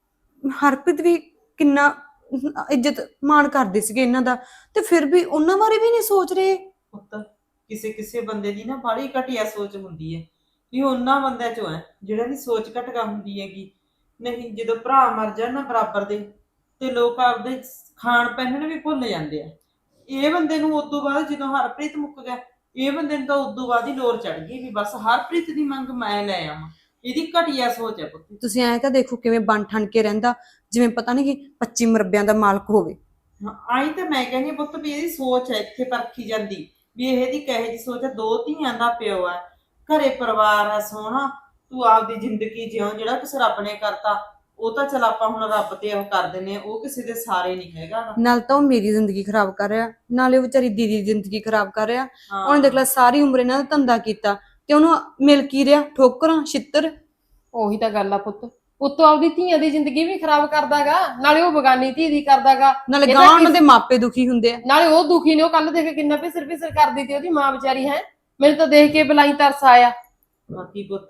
S2: ਹਰਪ੍ਰੀਤ ਵੀ ਕਿੰਨਾ ਇੱਜ਼ਤ ਮਾਣ ਕਰਦੇ ਸੀਗੇ ਇਹਨਾਂ ਦਾ, ਤੇ ਫਿਰ ਵੀ ਉਹਨਾਂ ਬਾਰੇ ਵੀ ਨਹੀਂ ਸੋਚ ਰਹੇ।
S3: ਪੁੱਤ ਕਿਸੇ ਕਿਸੇ ਬੰਦੇ ਦੀ ਨਾ ਬੜੀ ਘਟੀਆ ਸੋਚ ਹੁੰਦੀ ਹੈ, ਵੀ ਉਹਨਾਂ ਬੰਦਿਆਂ ਚੋਂ ਹੈ ਜਿਹੜਾ ਦੀ ਸੋਚ ਘਟਕਾ ਹੁੰਦੀ ਹੈਗੀ। ਨਹੀਂ ਜਦੋਂ ਭਰਾ ਮਰ ਜਾਣ ਨਾ ਬਰਾਬਰ ਦੇ, ਤੇ ਲੋਕ ਆਪਦੇ ਖਾਣ ਪਹਿਨਣ ਵੀ ਭੁੱਲ ਜਾਂਦੇ ਆ। ਇਹ ਬੰਦੇ ਨੂੰ ਉਦੋਂ ਬਾਅਦ ਜਦੋਂ ਹਰਪ੍ਰੀਤ ਮੁੱਕ ਗਿਆ, ਇਹ ਬੰਦੇ ਨੂੰ ਤਾਂ ਉਦੋਂ ਬਾਅਦ ਹੀ ਲੋਰ ਚੜ ਗਈ ਵੀ ਬਸ ਹਰਪ੍ਰੀਤ ਦੀ ਮੰਗ ਮੈਂ ਲੈ ਆਵਾਂ। ਇਹਦੀ ਘਟੀਆ ਸੋਚ ਹੈ ਪੁੱਤ।
S2: ਤੁਸੀਂ ਐਂ ਤਾਂ ਦੇਖੋ ਕਿਵੇਂ ਬਣ ਠਣ ਕੇ ਰਹਿੰਦਾ, ਜਿਵੇਂ ਪਤਾ ਨਹੀਂ ਕਿ ਪੱਚੀ ਮਰਬਿਆਂ ਦਾ ਮਾਲਕ ਹੋਵੇ।
S3: ਹਾਂ, ਆਈ ਤਾਂ ਮੈਂ ਕਹਿੰਦੀ ਹਾਂ ਪੁੱਤ ਵੀ ਇਹਦੀ ਸੋਚ ਹੈ ਇੱਥੇ ਪਰਖੀ ਜਾਂਦੀ, ਵੀ ਇਹਦੀ ਕਹੇ ਜਿਹੀ ਸੋਚ ਹੈ। ਦੋ ਧੀਆਂ ਦਾ ਪਿਓ ਹੈ, ਘਰੇ ਪਰਿਵਾਰ ਆ ਸੋਹਣਾ, ਤੂੰ ਆਪਦੀ ਜ਼ਿੰਦਗੀ ਜਿਉਂ, ਜਿਹੜਾ ਕੁਛ ਰੱਬ ਨੇ ਕਰਤਾ ਉਹ ਤਾਂ ਚਲ ਆਪਾਂ ਹੁਣ ਰੱਬ ਤੇ ਉਹ ਕਰ ਦਿੰਦੇ ਆ, ਉਹ ਕਿਸੇ ਦੇ ਸਾਰੇ ਨਹੀਂ ਹੈਗਾ ਗਾ।
S2: ਨਾਲ ਤਾਂ ਉਹ ਮੇਰੀ ਜ਼ਿੰਦਗੀ ਖਰਾਬ ਕਰ ਰਿਹਾ, ਨਾਲੇ ਉਹ ਵਿਚਾਰੀ ਦੀਦੀ ਦੀ ਜ਼ਿੰਦਗੀ ਖਰਾਬ ਕਰ ਰਿਹਾ।
S3: ਹਾਂ।
S2: ਉਹਨੇ ਦੇਖ ਲੈ ਸਾਰੀ ਉਮਰ ਇਹਨਾਂ ਦਾ ਧੰਦਾ ਕੀਤਾ, ਤੇ ਉਹਨੂੰ ਮਿਲ ਕੀ ਰਿਹਾ? ਠੋਕਰਾਂ, ਛਿੱਤਰ।
S5: ਉਹੀ ਤਾਂ ਗੱਲ ਆ ਪੁੱਤ, ਉੱਤੋਂ ਆਪਦੀ ਧੀਆਂ ਦੀ ਜ਼ਿੰਦਗੀ ਵੀ ਖਰਾਬ ਕਰਦਾਗਾ, ਨਾਲੇ ਉਹ ਬਗਾਨੀ ਧੀ ਦੀ ਕਰਦਾਗਾ।
S2: ਨਾਲੇ
S5: ਇਹ
S2: ਗਾਂ
S5: ਤਾਂ
S2: ਉਹਨਾਂ ਦੇ ਮਾਪੇ ਦੁਖੀ ਹੁੰਦੇ ਆ।
S5: ਨਾਲੇ ਉਹ ਦੁਖੀ ਨੇ, ਉਹ ਕੱਲ ਦੇਖ ਕਿੰਨਾ ਪਿਸਰ ਪਿਸਰ ਕਰਦੀ ਤੀ ਉਹਦੀ ਮਾਂ ਵਿਚਾਰੀ। ਹੈ ਮੈਨੂੰ ਤਾਂ ਦੇਖ ਕੇ ਬਲਾਈ ਤਰਸ ਆਇਆ।
S3: ਬਾਕੀ ਪੁੱਤ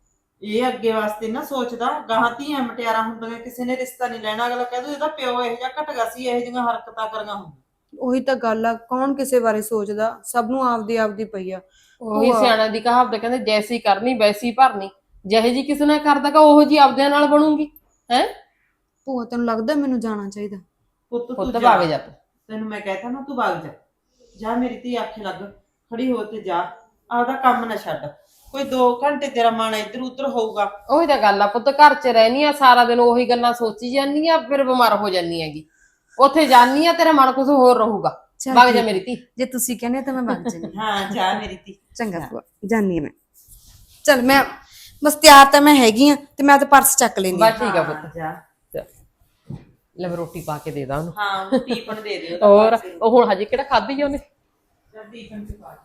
S3: ਇਹ ਅੱਗੇ ਵਾਸਤੇ ਨਾ ਸੋਚਦਾ, ਗਾਹਾਂ ਧੀਆਂ ਮਟਿਆਰਾਂ ਹੁੰਦੀਆਂ, ਕਿਸੇ ਨੇ ਰਿਸ਼ਤਾ ਨਹੀਂ ਲੈਣਾ। ਅਗਲਾ ਕਹਿ ਦੂ ਇਹਦਾ ਪਿਓ ਇਹੋ ਜਿਹਾ ਘਟਗਾ ਸੀ, ਇਹੋ ਜਿਹੀਆਂ ਹਰਕਤਾਂ ਕਰੀਆਂ ਹੁੰਦੀਆਂ।
S2: ਉਹੀ ਤਾਂ ਗੱਲ ਆ, ਕੌਣ ਕਿਸੇ ਬਾਰੇ ਸੋਚਦਾ? ਸਭ ਨੂੰ ਆਪਦੀ ਆਪਦੀ ਪਈ ਆ।
S5: ਉਹੀ ਸਿਆਣਾ ਦੀ ਕਹਾਵਤ ਕਹਿੰਦੇ, ਜੈਸੀ ਕਰਨੀ ਵੈਸੀ ਭਰਨੀ। ਜਿਹੇ ਜੀ ਕਿਸੇ ਨਾਲ ਕਰਦਾਗਾ ਉਹੋ ਜੀ ਆਪਦਿਆਂ ਨਾਲ ਬਣੂਗੀ। ਹੈ
S2: ਭੂਆ ਤੈਨੂੰ ਲੱਗਦਾ ਮੈਨੂੰ ਜਾਣਾ ਚਾਹੀਦਾ?
S3: ਪੁੱਤ ਤੂੰ
S5: ਪੁੱਤ
S3: ਜਾ,
S5: ਭਾਗ ਜਾ ਤੂੰ।
S3: ਤੈਨੂੰ ਮੈਂ ਕਹਿਤਾ ਨਾ ਤੂੰ ਭਾਗ ਜਾ। ਜਾ ਮੇਰੀ ਧੀ ਆਖੇ ਲੱਗ, ਖੜੀ ਹੋ ਤੇ ਜਾ, ਆਪਦਾ ਕੰਮ ਨਾ ਛੱਡ। ਕੋਈ ਦੋ ਘੰਟੇ ਤੇਰਾ ਮਨ ਇੱਧਰ ਉੱਧਰ ਹੋਊਗਾ।
S5: ਉਹੀ ਤਾਂ ਗੱਲ ਆ ਪੁੱਤ, ਘਰ 'ਚ ਰਹਿਨੀ ਆ ਸਾਰਾ ਦਿਨ ਉਹੀ ਗੱਲਾਂ ਸੋਚੀ ਜਾਂਦੀ ਆ, ਫਿਰ ਬਿਮਾਰ ਹੋ ਜਾਂਦੀ ਹੈਗੀ। ਉੱਥੇ ਜਾਨੀ ਆ ਤੇਰਾ ਮਨ ਕੁਝ ਹੋਰ ਰਹੂਗਾ।
S2: ਚੱਲ
S5: ਭਾਗ ਜਾ
S2: ਠੀਕ।
S5: ਮੇਰੀ ਧੀ।
S2: ਜੇ ਤੁਸੀਂ ਕਹਿੰਦੇ ਤਾਂ ਮੈਂ ਭੱਜ ਜਾਣੀ।
S3: ਹਾਂ ਜਾ ਮੇਰੀ ਧੀ।
S2: ਚੰਗਾ ਭੂਆ, ਜਾਨੀ ਆ ਮੈਂ। ਚਲ ਮੈਂ ਬਸ ਤਿਆਰ ਤਾਂ ਮੈਂ ਹੈਗੀ ਆ, ਤੇ ਮੈਂ ਤਾਂ ਪਰਸ ਚੱਕ ਲੈਂਦੀ ਆ।
S5: ਬਸ ਠੀਕ ਆ ਪੁੱਤ।
S3: ਹਾਂ, ਜਾ।
S5: ਲੈ ਮੈਂ ਰੋਟੀ ਪਾ ਕੇ ਦੇ ਦਾਂ ਉਹਨੂੰ।
S3: ਹਾਂ ਉਹ ਟੀਪਨ ਦੇ ਦਿਓ।
S5: ਹੋਰ ਉਹ ਹੁਣ ਹਜੇ ਕਿਹੜਾ ਖਾਧੀ ਆ ਉਹਨੇ।
S3: ਜਾ ਟੀਪਨ ਚ ਪਾ ਦੇ।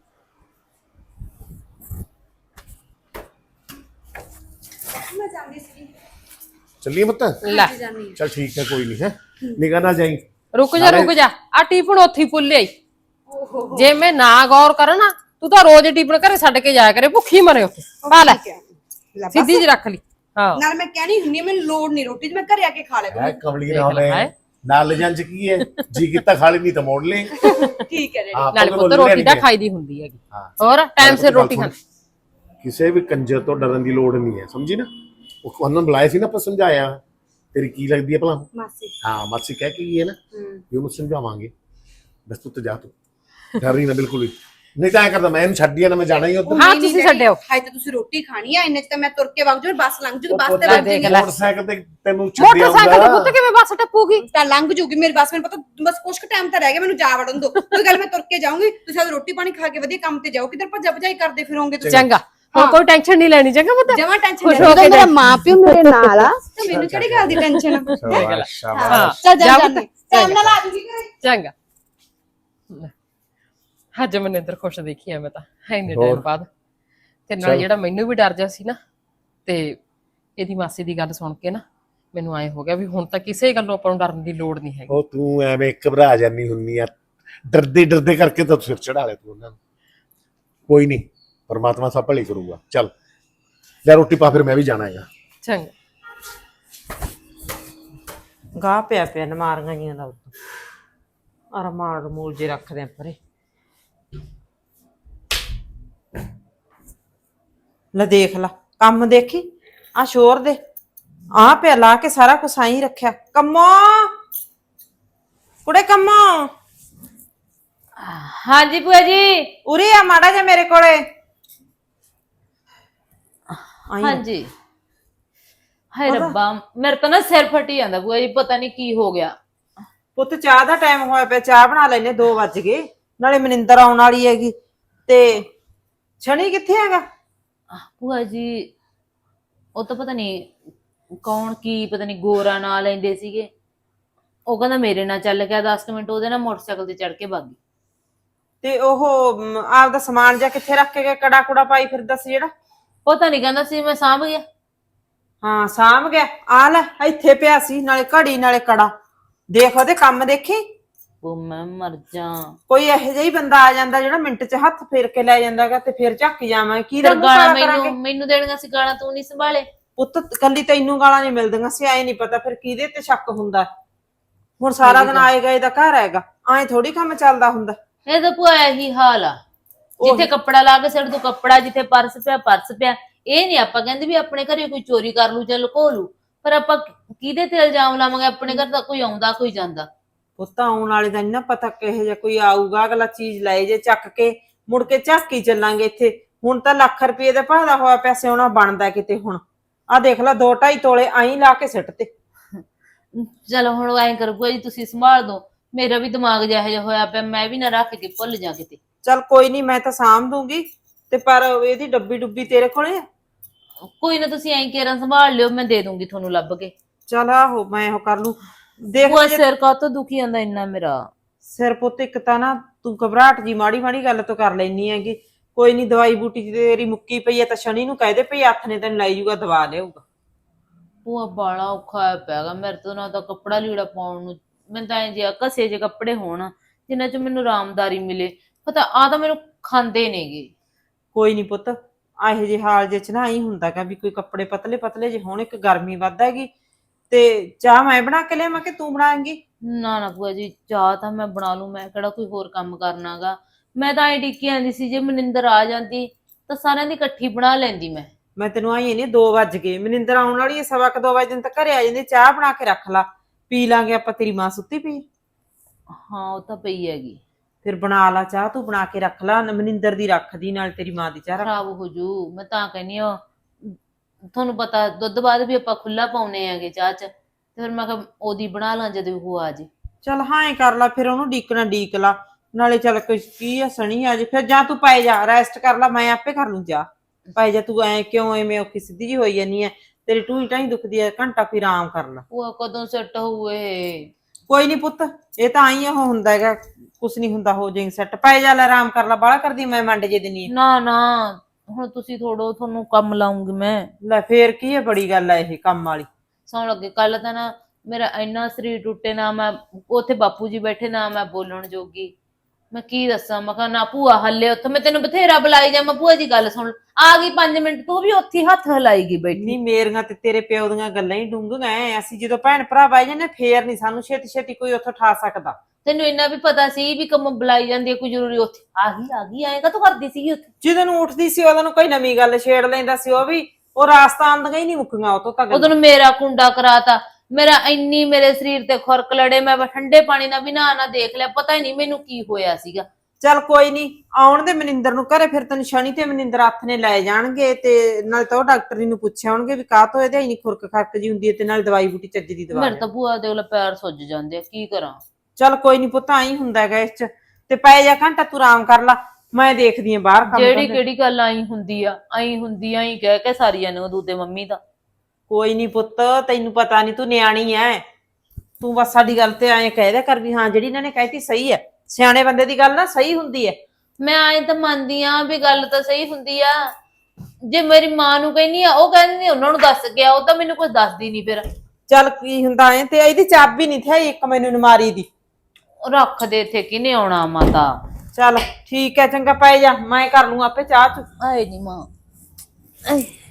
S2: ਮੈਂ ਜਾਂਦੀ ਸੀ।
S6: ਚੱਲੀਏ ਪੁੱਤ?
S5: ਲੈ
S2: ਜਾਨੀ
S6: ਚਲ ਠੀਕ ਹੈ, ਕੋਈ ਨਹੀਂ। ਹੈ ਨਿਗਾਹ ਨਾ ਜਾਈ।
S5: ਰੁਕ ਜਾ ਰੁਕ ਜਾ, ਆ ਟਿਫਨ ਉੱਥੇ ਹੀ ਭੁੱਲ ਆਈ। ਜੇ ਮੈਂ ਨਾ ਗੌਰ ਕਰਾਂ ਨਾ, ਤੂੰ ਤਾਂ ਰੋਜ਼ ਟਿਫਨ ਘਰੇ ਛੱਡ ਕੇ ਜਾਇਆ ਕਰੇ, ਭੁੱਖੀ ਮਰੇ ਉੱਥੇ। ਪਾ ਲੈ ਸਿੱਧੀ ਜਿਹੀ ਰੱਖ ਲਈ। ਹਾਂ
S2: ਨਾਲ ਮੈਂ ਕਹਿਣੀ ਹੁੰਨੀ ਆ ਮੈਨੂੰ ਲੋੜ ਨਹੀਂ ਰੋਟੀ ਦੀ, ਮੈਂ ਘਰੇ ਆ ਕੇ ਖਾ ਲਿਆ
S6: ਹੈ ਕਮਲੀ
S5: ਦੇਖ
S6: ਨਾ
S5: ਲੈ,
S6: ਹੋਵੇ
S5: ਹੈਂ।
S6: ਨਾਲ ਲੈ ਜਾਂਚ ਕੀ ਹੈ, ਜੀ ਕੀਤਾ ਖਾ ਲਈ, ਨਹੀਂ ਤਾਂ ਮੋੜ ਲੈ।
S2: ਠੀਕ ਹੈ ਜੀ।
S6: ਹਾਂ,
S5: ਨਾਲੇ
S6: ਆਪਾਂ
S5: ਪੁੱਤ
S6: ਤਾਂ
S5: ਰੋਟੀ ਤਾਂ
S6: ਲੈਣੀ ਹੈ।
S5: ਖਾਈ ਦੀ ਹੁੰਦੀ ਹੈਗੀ।
S6: ਹਾਂ।
S5: ਹੋਰ ਟਾਈਮ ਸਿਰ ਰੋਟੀ ਖਾ।
S6: ਕਿਸੇ ਵੀ ਕੰਜਰ ਤੋਂ ਡਰਨ ਦੀ ਲੋੜ ਨਹੀਂ ਹੈ, ਸਮਝੀ ਨਾ। ਉਹ ਉਹਨਾਂ ਨੂੰ ਬੁਲਾਇਆ ਸੀ ਨਾ, ਆਪਾਂ ਸਮਝਾਇਆ। ਤੇਰੀ ਕੀ ਲੱਗਦੀ ਹੈ ਭਲਾ?
S2: ਮਾਸੀ।
S6: ਹਾਂ ਮਾਸੀ ਕਹਿ ਕੇ ਗਈ ਹੈ ਨਾ,
S2: ਹੂੰ।
S6: ਵੀ ਉਹਨੂੰ ਸਮਝਾਵਾਂਗੇ। ਬਸ ਤੂੰ ਤੇ ਜਾ, ਤੂੰ ਡਰ ਰਹੀ ਨਾ ਬਿਲਕੁਲ ਵੀ। ਨਹੀਂ ਤਾਂ ਐ ਕਰਦਾ ਮੈਂ ਇਹਨੂੰ ਛੱਡੀ ਆ ਨਾ, ਮੈਂ ਜਾਣਾ ਹੀ ਉੱਧਰ।
S5: ਹਾਂ ਤੁਸੀਂ ਛੱਡਿਓ।
S2: ਹਾਏ ਤਾਂ ਤੁਸੀਂ ਰੋਟੀ ਖਾਣੀ ਆ, ਇੰਨੇ ਚ ਤਾਂ ਮੈਂ ਤੁਰ ਕੇ ਵਗ ਜੂ, ਬੱਸ ਲੰਘ ਜੂਗੀ, ਬੱਸ ਤੇ
S5: ਲੈ
S2: ਵਗ
S5: ਦੇਖ
S2: ਜੂਗੀ।
S5: ਲੈ।
S6: ਮੋਟਰਸਾਈਕਲ ਤੇ ਤੈਨੂੰ ਛੱਡਿਆ
S5: ਮੋਟਰਸਾਈਕਲ ਤੇ ਪੁੱਤ ਕਿਵੇਂ ਬੱਸ ਟੱਪੂਗੀ?
S2: ਤਾਂ ਲੰਘ ਜੂਗੀ ਮੇਰੀ ਬੱਸ, ਮੈਨੂੰ ਪਤਾ ਬਸ ਕੁਛ ਕੁ ਟਾਈਮ ਤਾਂ ਰਹਿ ਗਿਆ, ਮੈਨੂੰ ਜਾ ਵੜਨ ਦੋ। ਕੋਈ ਗੱਲ ਮੈਂ ਤੁਰ ਕੇ ਜਾਊਂਗੀ, ਤੁਸੀਂ ਆਹ ਰੋਟੀ ਪਾਣੀ ਖਾ ਕੇ ਵਧੀਆ ਕੰਮ ਤੇ ਜਾਓ। ਕਿੱਧਰ ਭੱਜਾ ਭਜਾਈ ਕਰਦੇ ਫਿਰੋਗੇ ਤੁਸੀਂ?
S5: ਚੰਗਾ ਹੁਣ ਕੋਈ ਟੈਨਸ਼ਨ ਨਹੀਂ ਲੈਣੀ। ਚੰਗਾ ਪੁੱਤ
S2: ਜਮਾ ਟੈਨਸ਼ਨ
S5: ਖੁਸ਼
S2: ਨਹੀਂ,
S5: ਹੋ ਕੇ
S2: ਮੇਰਾ
S5: ਜਾ।
S2: ਮਾਂ ਪਿਓ ਮੇਰੇ ਨਾਲ ਆ, ਤੇ ਮੈਨੂੰ ਕਿਹੜੀ ਗੱਲ ਦੀ ਟੈਨਸ਼ਨ ਆ?
S6: ਸ਼ਾਬਾਸ਼ ਸ਼ਾਬਾਸ਼।
S2: ਚੱਲ ਜਾ
S5: ਜਾ
S2: ਜਾਨੀ
S5: ਪੁੱਤ,
S2: ਟਾਈਮ ਨਾਲ ਆ ਜੂਗੀ ਘਰੇ।
S5: ਚੰਗਾ ਅੱਜ ਮਨਿੰਦਰ ਖੁਸ਼ ਦੇਖੀ ਆ ਮੈਂ ਤਾਂ ਇੰਨੇ
S6: ਹੋਰ।
S5: ਟਾਈਮ ਬਾਅਦ। ਤੇ ਨਾਲ ਜਿਹੜਾ ਮੈਨੂੰ ਵੀ ਡਰ ਜਾ ਸੀ ਨਾ, ਤੇ ਇਹਦੀ ਮਾਸੀ ਦੀ ਗੱਲ ਸੁਣ ਕੇ ਨਾ ਮੈਨੂੰ ਐ ਹੋ ਗਿਆ ਵੀ ਹੁਣ ਤਾਂ ਕਿਸੇ ਗੱਲੋਂ ਆਪਾਂ ਨੂੰ ਡਰਨ ਦੀ ਲੋੜ ਨਹੀਂ ਹੈਗੀ।
S6: ਉਹ ਤੂੰ ਐਵੇਂ ਘਬਰਾ ਜਾਨੀ ਹੁੰਨੀ ਆ, ਡਰਦੇ ਡਰਦੇ ਕਰਕੇ ਤਾਂ ਸਿਰ ਚੜਾ ਲਿਆ ਤੂੰ ਉਹਨਾਂ ਨੂੰ। ਕੋਈ ਨਹੀਂ, ਪਰਮਾਤਮਾ ਸਭ ਭਲੀ ਕਰੂਗਾ। ਚੱਲ ਲੈ ਰੋਟੀ ਪਾ, ਫਿਰ ਮੈਂ ਵੀ ਜਾਣਾ ਹੈਗਾ।
S5: ਚੰਗਾ
S3: ਗਾਹ ਪਿਆ ਪਿਆ ਨਮਾਰੀਆਂ ਜੀਆਂ ਦਾ ਅਰ ਮਾਰ ਮੂਲ ਜੇ ਰੱਖਦੇ ਆ ਪਰੇ। ਲੈ ਦੇਖ ਲਾ ਕੰਮ, ਦੇਖੀ ਆ ਸ਼ੋਰ ਦੇ ਆ ਪਿਆ ਲਾ ਕੇ ਸਾਰਾ ਕੁਛ ਆਈ ਰੱਖਿਆ। ਕੰਮੋ ਕੁੜੇ ਕੰਮੋ,
S4: ਹਾਂਜੀ ਭੂਆ ਜੀ।
S3: ਉਰੇ ਆ ਮਾੜਾ ਜਿਹਾ ਮੇਰੇ ਕੋਲੇ। ਆਈ ਆ।
S4: ਹਾਂਜੀ। ਹਾਏ ਰੱਬਾ, ਮੇਰੇ ਤਾਂ ਨਾ ਸਿਰ ਫਟੀ ਜਾਂਦਾ ਭੂਆ ਜੀ, ਪਤਾ ਨਹੀਂ ਕੀ ਹੋ ਗਿਆ।
S3: ਪੁੱਤ ਚਾਹ ਦਾ ਟਾਈਮ ਹੋਇਆ ਪਿਆ, ਚਾਹ ਬਣਾ ਲੈਨੇ, ਦੋ ਵੱਜ ਗਏ। ਨਾਲੇ ਮਨਿੰਦਰ ਆਉਣ ਵਾਲੀ ਹੈਗੀ, ਤੇ ਸ਼ਨੀ ਕਿੱਥੇ ਹੈਗਾ?
S4: ਭੂਆ ਜੀ ਉਹ ਤਾਂ ਪਤਾ ਨਹੀਂ ਕੌਣ ਕੀ ਪਤਾ ਨਹੀਂ ਗੋਰਾ ਨਾਂ ਲੈਂਦੇ ਸੀਗੇ, ਉਹ ਕਹਿੰਦਾ ਮੇਰੇ ਨਾਲ ਚੱਲ ਗਿਆ। ਦਸ ਮਿੰਟ ਉਹਦੇ ਨਾਲ ਮੋਟਰਸਾਈਕਲ ਤੇ ਚੜ ਕੇ ਭੱਗ ਗਈ।
S3: ਤੇ ਉਹ ਮ, ਆਪਦਾ ਸਮਾਨ ਜਾਂ ਕਿੱਥੇ ਰੱਖ ਕੇ ਗਿਆ, ਕੜਾ ਕੁੜਾ ਪਾਈ ਫਿਰਦਾ ਸੀ ਜਿਹੜਾ?
S4: ਪਤਾ ਨਹੀਂ ਕਹਿੰਦਾ ਸੀ ਮੈਂ ਸਾਂਭ ਗਿਆ।
S3: ਹਾਂ ਸਾਂਭ ਗਿਆ। ਆ ਲੈ ਇੱਥੇ ਪਿਆ ਸੀ, ਨਾਲੇ ਘੜੀ ਨਾਲੇ ਕੜਾ। ਦੇਖ ਉਹਦੇ ਕੰਮ ਦੇਖੀ।
S4: ਉਹ ਮੈਂ ਮਰ ਜਾ।
S3: ਕੋਈ ਇਹੋ ਜਿਹਾ ਹੀ ਬੰਦਾ ਆ ਜਾਂਦਾ ਜਿਹੜਾ ਮਿੰਟ 'ਚ ਹੱਥ ਫੇਰ ਕੇ ਲੈ ਜਾਂਦਾਗਾ ਤੇ ਫੇਰ ਝੱਕ ਜਾਵਾਂ ਕੀ ਦਾ
S4: ਫਿਰ
S3: ਮੂੰਹ
S4: ਗਾਲਾਂ
S3: ਕਾਲਾ ਕਰਾਂਗੇ।
S4: ਮੈਨੂੰ ਮੈਨੂੰ ਦੇਣੀਆਂ ਸੀ ਗਾਲਾਂ, ਤੂੰ ਨਹੀਂ ਸੰਭਾਲੇ।
S3: ਪੁੱਤ ਕੱਲੀ ਤੈਨੂੰ ਗਾਲਾਂ ਨਹੀਂ ਮਿਲਦੀਆਂ ਸੀ, ਐ ਨਹੀਂ ਪਤਾ ਫਿਰ ਕਿਹਦੇ ਤੇ ਸ਼ੱਕ ਹੁੰਦਾ। ਹੁਣ ਸਾਰਾ ਦਿਨ ਆਏ ਗਏ ਦਾ ਘਰ ਹੈਗਾ, ਐ ਥੋੜੀ ਕੰਮ ਚੱਲਦਾ ਹੁੰਦਾ।
S4: ਇਹ ਤਾਂ ਭੂਆ ਇਹੀ ਹਾਲ ਆ, ਜਿੱਥੇ ਕੱਪੜਾ ਲਾ ਕੇ ਸਿਰ ਤੋਂ ਕੱਪੜਾ, ਜਿੱਥੇ ਪਰਸ ਪਿਆ ਪਰਸ ਪਿਆ। ਇਹ ਨਹੀਂ ਆਪਾਂ ਕਹਿੰਦੇ ਵੀ ਆਪਣੇ ਘਰੇ ਕੋਈ ਚੋਰੀ ਕਰ ਲੂ ਜਾਂ ਲੁਕੋ ਲੂ, ਪਰ ਆਪਾਂ ਕਿਹਦੇ ਤੇ ਇਲਜ਼ਾਮ ਲਾਵਾਂਗੇ? ਆਪਣੇ ਘਰ ਤਾਂ ਕੋਈ ਆਉਂਦਾ ਕੋਈ ਜਾਂਦਾ।
S3: ਪੁੱਤ ਆਉਣ ਵਾਲੇ ਦਾ ਨੀ ਨਾ ਪਤਾ ਕਿਹੋ ਜਿਹਾ ਕੋਈ ਆਊਗਾ, ਅਗਲਾ ਚੀਜ਼ ਲੈ ਜੇ ਚੱਕ ਕੇ, ਮੁੜ ਕੇ ਝਾਕੀ ਚੱਲਾਂਗੇ ਇੱਥੇ। ਹੁਣ ਤਾਂ ਲੱਖ ਰੁਪਏ ਦਾ ਭਾਅ ਹੋਇਆ ਪਿਆ, ਸਿਉਣਾ ਬਣਦਾ ਕਿਤੇ। ਹੁਣ ਆਹ ਦੇਖ ਲੈ ਦੋ ਢਾਈ ਤੋਲੇ ਆਈ ਲਾ ਕੇ ਸਿੱਟ ਤੇ।
S4: ਚਲੋ ਹੁਣ ਐਂ ਕਰੋ ਭੂਆ ਜੀ, ਤੁਸੀਂ ਸੰਭਾਲ ਦੋ। ਮੇਰਾ ਵੀ ਦਿਮਾਗ ਜਿਹਾ ਜਿਹਾ ਹੋਇਆ ਪਿਆ, ਮੈਂ ਵੀ ਨਾ ਰੱਖ ਕੇ ਭੁੱਲ ਜਾ ਕਿਤੇ।
S3: ਚੱਲ ਕੋਈ ਨਹੀਂ, ਮੈਂ ਤਾਂ ਸਾਂਭ ਦੂੰਗੀ ਤੇ ਪਰ ਇਹਦੀ ਡੱਬੀ ਡੁੱਬੀ ਤੇਰੇ ਕੋਲੇ ਆ?
S4: ਕੋਈ ਨਾ, ਤੁਸੀਂ ਐਂ ਕੇਰਾਂ ਸੰਭਾਲ ਲਿਓ, ਮੈਂ ਦੇ ਦੂੰਗੀ ਤੁਹਾਨੂੰ ਲੱਭ ਕੇ।
S3: ਚੱਲ ਆਹੋ ਮੈਂ ਉਹ ਕਰ ਲੂ। ਦੇਖ
S4: ਭੂਆ
S3: ਜੇ-
S4: ਸਿਰ ਕਾਹਤੋਂ ਦੁਖੀ ਜਾਂਦਾ ਇੰਨਾ ਮੇਰਾ?
S3: ਸਿਰ ਪੁੱਤ ਇੱਕ ਤਾਂ ਨਾ ਤੂੰ ਘਬਰਾਹਟ ਜੀ ਮਾੜੀ ਮਾੜੀ ਗੱਲ ਤੋਂ ਕਰ ਲੈਨੀ ਹੈਗੀ। ਕੋਈ ਨਹੀਂ, ਦਵਾਈ ਬੂਟੀ ਦੀ ਤੇਰੀ ਮੁੱਕੀ ਪਈ ਹੈ ਤਾਂ ਸ਼ਨੀ ਨੂੰ ਕਹਿ ਦੇ ਭਈ ਹੱਥ ਨੇ ਤੈਨੂੰ ਲੈ ਜਾਊਗਾ, ਦਵਾ ਲਿਆਊਗਾ।
S4: ਭੂਆ ਬਾਲਾ ਔਖਾ ਹੋਇਆ ਪਿਆਗਾ ਮੇਰੇ ਤੋਂ, ਨਾ ਤਾਂ ਕੱਪੜਾ ਲੀੜਾ ਪਾਉਣ ਨੂੰ। ਮੈਨੂੰ ਤਾਂ ਐਂ ਜਿਹਾ ਘਸੇ ਜੇ ਕੱਪੜੇ ਹੋਣ ਜਿੰਨਾ ਚ ਮੈਨੂੰ ਆਰਾਮਦਾਰੀ ਮਿਲੇ। ਪਤਾ ਆ ਤਾਂ ਮੈਨੂੰ ਖਾਂਦੇ ਨੇਗੇ।
S3: ਕੋਈ ਨਹੀਂ ਪੁੱਤ, ਇਹੋ ਜਿਹੇ ਹਾਲ ਜੇ ਚ ਨਾ ਹੀ ਹੁੰਦਾਗਾ ਵੀ ਕੋਈ ਕੱਪੜੇ ਪਤਲੇ ਪਤਲੇ ਜੇ ਹੋਣ। ਇੱਕ ਗਰਮੀ ਵੱਧ ਹੈਗੀ ਤੇ ਚਾਹ ਮੈਂ ਬਣਾ ਕੇ ਲਿਆਵਾਂ ਕਿ ਤੂੰ ਬਣਾਏਂਗੀ?
S4: ਨਾ ਨਾ ਭੂਆ ਜੀ, ਚਾਹ ਤਾਂ ਮੈਂ ਬਣਾ ਲੂ, ਮੈਂ ਕਿਹੜਾ ਕੋਈ ਹੋਰ ਕੰਮ ਕਰਨਾਗਾ। ਮੈਂ ਤਾਂ ਐਂ ਡਿੱਕੀ ਆਂਦੀ ਸੀ ਜੇ ਮਨਿੰਦਰ ਆ ਜਾਂਦੀ ਤਾਂ ਸਾਰਿਆਂ ਦੀ ਇਕੱਠੀ ਬਣਾ ਲੈਂਦੀ ਮੈਂ।
S3: ਮੈਂ ਤੈਨੂੰ ਆਈ ਨਹੀਂ, ਦੋ ਵੱਜ ਗਏ, ਮਨਿੰਦਰ ਆਉਣ ਵਾਲੀ ਹੈ, ਸਵਾ ਕੁ ਦੋ ਵਜੇ ਦਿਨ ਤੱਕ ਘਰੇ ਆ ਜਾਂਦੀ। ਚਾਹ ਬਣਾ ਕੇ ਰੱਖ ਲਾ, ਪੀ ਲਾਂਗੇ ਆਪਾਂ। ਤੇਰੀ ਮਾਂ ਸੁੱਤੀ ਪਈ?
S4: ਹਾਂ ਉਹ ਤਾਂ ਪਈ ਹੈਗੀ।
S3: ਫਿਰ ਬਣਾ ਲਾ ਚਾਹ, ਤੂੰ ਬਣਾ ਕੇ ਰੱਖ ਲਾ। ਮਨਿੰਦਰ ਦੀ ਰੱਖਦੀ, ਨਾਲ ਤੇਰੀ ਮਾਂ ਦੀ ਚਾਹ ਰੱਖ।
S4: ਖਰਾਬ ਹੋ ਜੂ। ਮੈਂ ਤਾਂ ਕਹਿੰਦੀ ਆ, ਤੁਹਾਨੂੰ ਪਤਾ ਦੁੱਧ ਬਾਅਦ ਵੀ ਆਪਾਂ ਖੁੱਲਾ ਪਾਉਨੇ ਆਗੇ ਚਾਹ ਚ, ਤੇ ਫਿਰ ਮੈਂ ਕਿਹਾ ਉਹਦੀ ਬਣਾ ਲਾਂ ਜਦੋਂ ਉਹ ਆ ਜੇ।
S3: ਚੱਲ ਹਾਂ ਹੀ ਕਰ ਲਾ ਫਿਰ, ਉਹਨੂੰ ਡੀਕਣਾ ਡੀਕ ਲਾ ਨਾਲੇ। ਚੱਲ ਕੁਛ ਕੀ ਆ, ਸਣੀ ਆ ਜੇ। ਫਿਰ ਜਾਂ ਤੂੰ ਪੈ ਜਾ, ਰੈਸਟ ਕਰ ਲਾ, ਮੈਂ ਆਪੇ ਕਰ ਲੂੰ ਚਾਹ। ਪੈ ਜਾ ਤੂੰ, ਐ ਕਿਉਂ ਐਵੇਂ ਔਖੀ ਸਿੱਧੀ ਜੀ ਹੋਈ ਜਾਨੀ ਐ? ਤੇਰੀ ਟੂਈ ਟਾਈ ਦੁਖਦੀ ਐ, ਘੰਟਾ ਕੋਈ ਆਰਾਮ ਕਰ ਲਾ।
S4: ਉਹ ਕਦੋਂ ਸੈੱਟ ਹੋਊਏ?
S3: ਕੋਈ ਨਹੀਂ ਪੁੱਤ, ਇਹ ਤਾਂ ਆਈ ਉਹ ਹੁੰਦਾ ਹੈਗਾ, ਕੁਛ ਨਹੀਂ ਹੁੰਦਾ, ਹੋ ਜਾਏਗੀ ਸੈੱਟ। ਪੈ ਜਾ, ਲੈ ਆਰਾਮ ਕਰ ਲਾ, ਬਾਹਲਾ ਕਰਦੀ ਮੈਂ ਮੰਡ ਜੇ ਦਿੰਨੀ ਆ।
S4: ਨਾ ਨਾ, ਹੁਣ ਤੁਸੀਂ ਥੋੜੋ, ਤੁਹਾਨੂੰ ਕੰਮ ਲਾਉਂਗੀ ਮੈਂ।
S3: ਲੈ ਫੇਰ ਕੀ ਹੈ, ਬੜੀ ਗੱਲ ਐ ਇਹ ਕੰਮ ਵਾਲੀ।
S4: ਸੌਣ ਲੱਗੇ ਕੱਲ ਤਾਂ ਨਾ ਮੇਰਾ ਇੰਨਾ ਸਰੀਰ ਟੁੱਟੇ, ਨਾ ਮੈਂ ਉੱਥੇ ਬਾਪੂ ਜੀ ਬੈਠੇ, ਨਾ ਮੈਂ ਬੋਲਣ ਜੋਗੀ। ਮੈਂ ਕੀ ਦੱਸਾਂ? ਮੈਂ ਕਿਹਾ ਨਾ ਭੂਆ ਹੱਲੇ ਉੱਥੇ, ਮੈਂ ਤੈਨੂੰ ਬਥੇਰਾ ਬੁਲਾਈ ਜਾ। ਮੈਂ ਭੂਆ ਜੀ ਗੱਲ ਸੁਣ, ਆ ਗਈ ਪੰਜ ਮਿੰਟ, ਤੂੰ ਵੀ ਉੱਥੇ ਹੱਥ ਹਿਲਾਈਗੀ ਬੈਠੀ।
S3: ਨਹੀਂ, ਮੇਰੀਆਂ ਤੇ ਤੇਰੇ ਪਿਓ ਦੀਆਂ ਗੱਲਾਂ ਹੀ ਡੂੰਘੀਆਂ ਐ। ਅਸੀਂ ਜਦੋਂ ਭੈਣ ਭਰਾ ਬਾਈ ਜਾਂਦੇ ਫੇਰ ਨਹੀਂ ਸਾਨੂੰ ਛੇਤੀ ਛੇਤੀ ਕੋਈ ਉੱਥੋਂ ਠਾ ਸਕਦਾ।
S4: ਤੈਨੂੰ ਇੰਨਾ ਵੀ ਪਤਾ ਸੀ ਵੀ ਕੰਮ ਬੁਲਾਈ ਜਾਂਦੀ ਹੈ, ਕੋਈ ਜ਼ਰੂਰੀ ਉੱਥੇ ਆ ਗਈ ਆ ਗਈ ਆਏਗਾ ਤੂੰ ਕਰਦੀ ਸੀਗੀ ਉੱਥੇ।
S3: ਜਦੋਂ ਨੂੰ ਉੱਠਦੀ ਸੀ ਉਹਦੋਂ ਨੂੰ ਕੋਈ ਨਵੀਂ ਗੱਲ ਛੇੜ ਲੈਂਦਾ ਸੀ। ਉਹ ਵੀ ਉਹ ਰਾਸਤਾ ਆਉਂਦੀਆਂ ਹੀ ਨਹੀਂ ਮੁੱਕੀਆਂ ਉਹ ਤੋਂ ਤਾਂ।
S4: ਉਦੋਂ ਮੇਰਾ ਕੁੰਡਾ ਕਰਾਤਾ, ਮੇਰਾ ਇੰਨੀ ਮੇਰੇ ਸਰੀਰ ਤੇ ਖੁਰਕ ਲੜੇ, ਮੈਂ ਠੰਡੇ ਪਾਣੀ ਨਾਲ ਵੀ ਨਹਾ ਨਾ ਦੇਖ ਲਿਆ, ਪਤਾ ਹੀ ਨਹੀਂ ਮੈਨੂੰ ਕੀ ਹੋਇਆ ਸੀਗਾ।
S3: ਚੱਲ ਕੋਈ ਨਹੀਂ, ਆਉਣ ਦੇ ਮਨਿੰਦਰ ਨੂੰ ਘਰੇ, ਫਿਰ ਤੈਨੂੰ ਸ਼ਨੀ ਤੇ ਮਨਿੰਦਰ ਹੱਥ ਨੇ ਲੈ ਜਾਣਗੇ। ਤੇ ਨਾਲ ਤਾਂ ਉਹ ਡਾਕਟਰ ਜੀ ਨੂੰ ਪੁੱਛਿਆ ਹੋਣਗੇ ਵੀ ਕਾਹ ਤੋਂ ਇਹਦੇ ਇੰਨੀ ਖੁਰਕ ਖਰਕ ਜੀ ਹੁੰਦੀ ਹੈ, ਤੇ ਨਾਲ ਦਵਾਈ ਬੂਟੀ ਚੱਜ ਦੀ ਦਵਾ।
S4: ਮੇਰੇ ਤਾਂ ਭੂਆ ਦੇ ਪੈਰ ਸੁੱਜ ਜਾਂਦੇ ਆ, ਕੀ ਕਰਾਂ?
S3: ਚੱਲ ਕੋਈ ਨਹੀਂ ਪੁੱਤ, ਆਈ ਹੁੰਦਾ ਹੈਗਾ ਇਸ ਚ। ਤੇ ਪੈ ਜਾ ਘੰਟਾ ਤੂੰ ਆਰਾਮ ਕਰ ਲਾ, ਮੈਂ ਦੇਖਦੀ ਆ ਬਾਹਰ ਕੰਮ।
S4: ਜਿਹੜੀ ਕਿਹੜੀ ਗੱਲ ਆਈ ਹੁੰਦੀ ਆ, ਆਈ ਹੁੰਦੀ ਆ, ਆਈ ਕਹਿ ਕੇ ਸਾਰੀਆਂ ਨੂੰ ਦੂਦੇ ਮੰਮੀ ਦਾ।
S3: ਕੋਈ ਨਹੀਂ ਪੁੱਤ, ਤੈਨੂੰ ਪਤਾ ਨਹੀਂ, ਤੂੰ ਨਿਆਣੀ ਐ। ਤੂੰ ਬਸ ਸਾਡੀ ਗੱਲ ਤੇ ਐਂ ਕਹਿ ਦਿਆ ਕਰ ਵੀ ਹਾਂ ਜਿਹੜੀ ਇਹਨਾਂ ਨੇ ਕਹਿਤੀ ਸਹੀ ਹੈ। ਸਿਆਣੇ ਬੰਦੇ ਦੀ ਗੱਲ ਨਾ ਸਹੀ ਹੁੰਦੀ ਹੈ।
S4: ਮੈਂ ਆਏ ਤਾਂ ਮੰਨਦੀ ਆ ਵੀ ਗੱਲ ਤਾਂ ਸਹੀ ਹੁੰਦੀ ਆ। ਜੇ ਮੇਰੀ ਮਾਂ ਨੂੰ ਕਹਿੰਦੀ ਆ, ਉਹ ਕਹਿੰਦੀ ਉਹਨਾਂ ਨੂੰ ਦੱਸ ਗਿਆ, ਉਹ ਤਾਂ ਮੈਨੂੰ ਕੁਝ ਦੱਸਦੀ ਨਹੀਂ। ਫਿਰ
S3: ਚੱਲ ਕੀ ਹੁੰਦਾ ਐ, ਤੇ ਇਹਦੀ ਚਾਬੀ ਨਹੀਂ ਥੀ ਇੱਕ ਮੈਨੂੰ ਨਮਾਰੀ ਦੀ।
S4: ਰੱਖ ਦੇ ਇੱਥੇ, ਕਿਨੇ ਆਉਣਾ ਮਾਤਾ?
S3: ਚੱਲ ਠੀਕ ਹੈ, ਚੰਗਾ ਪੈ ਜਾ, ਮੈਂ ਕਰ ਲੂੰ ਆਪੇ ਚਾਹ ਚ।
S4: ਆਏ ਨੀ ਮਾਂ। ਆਏ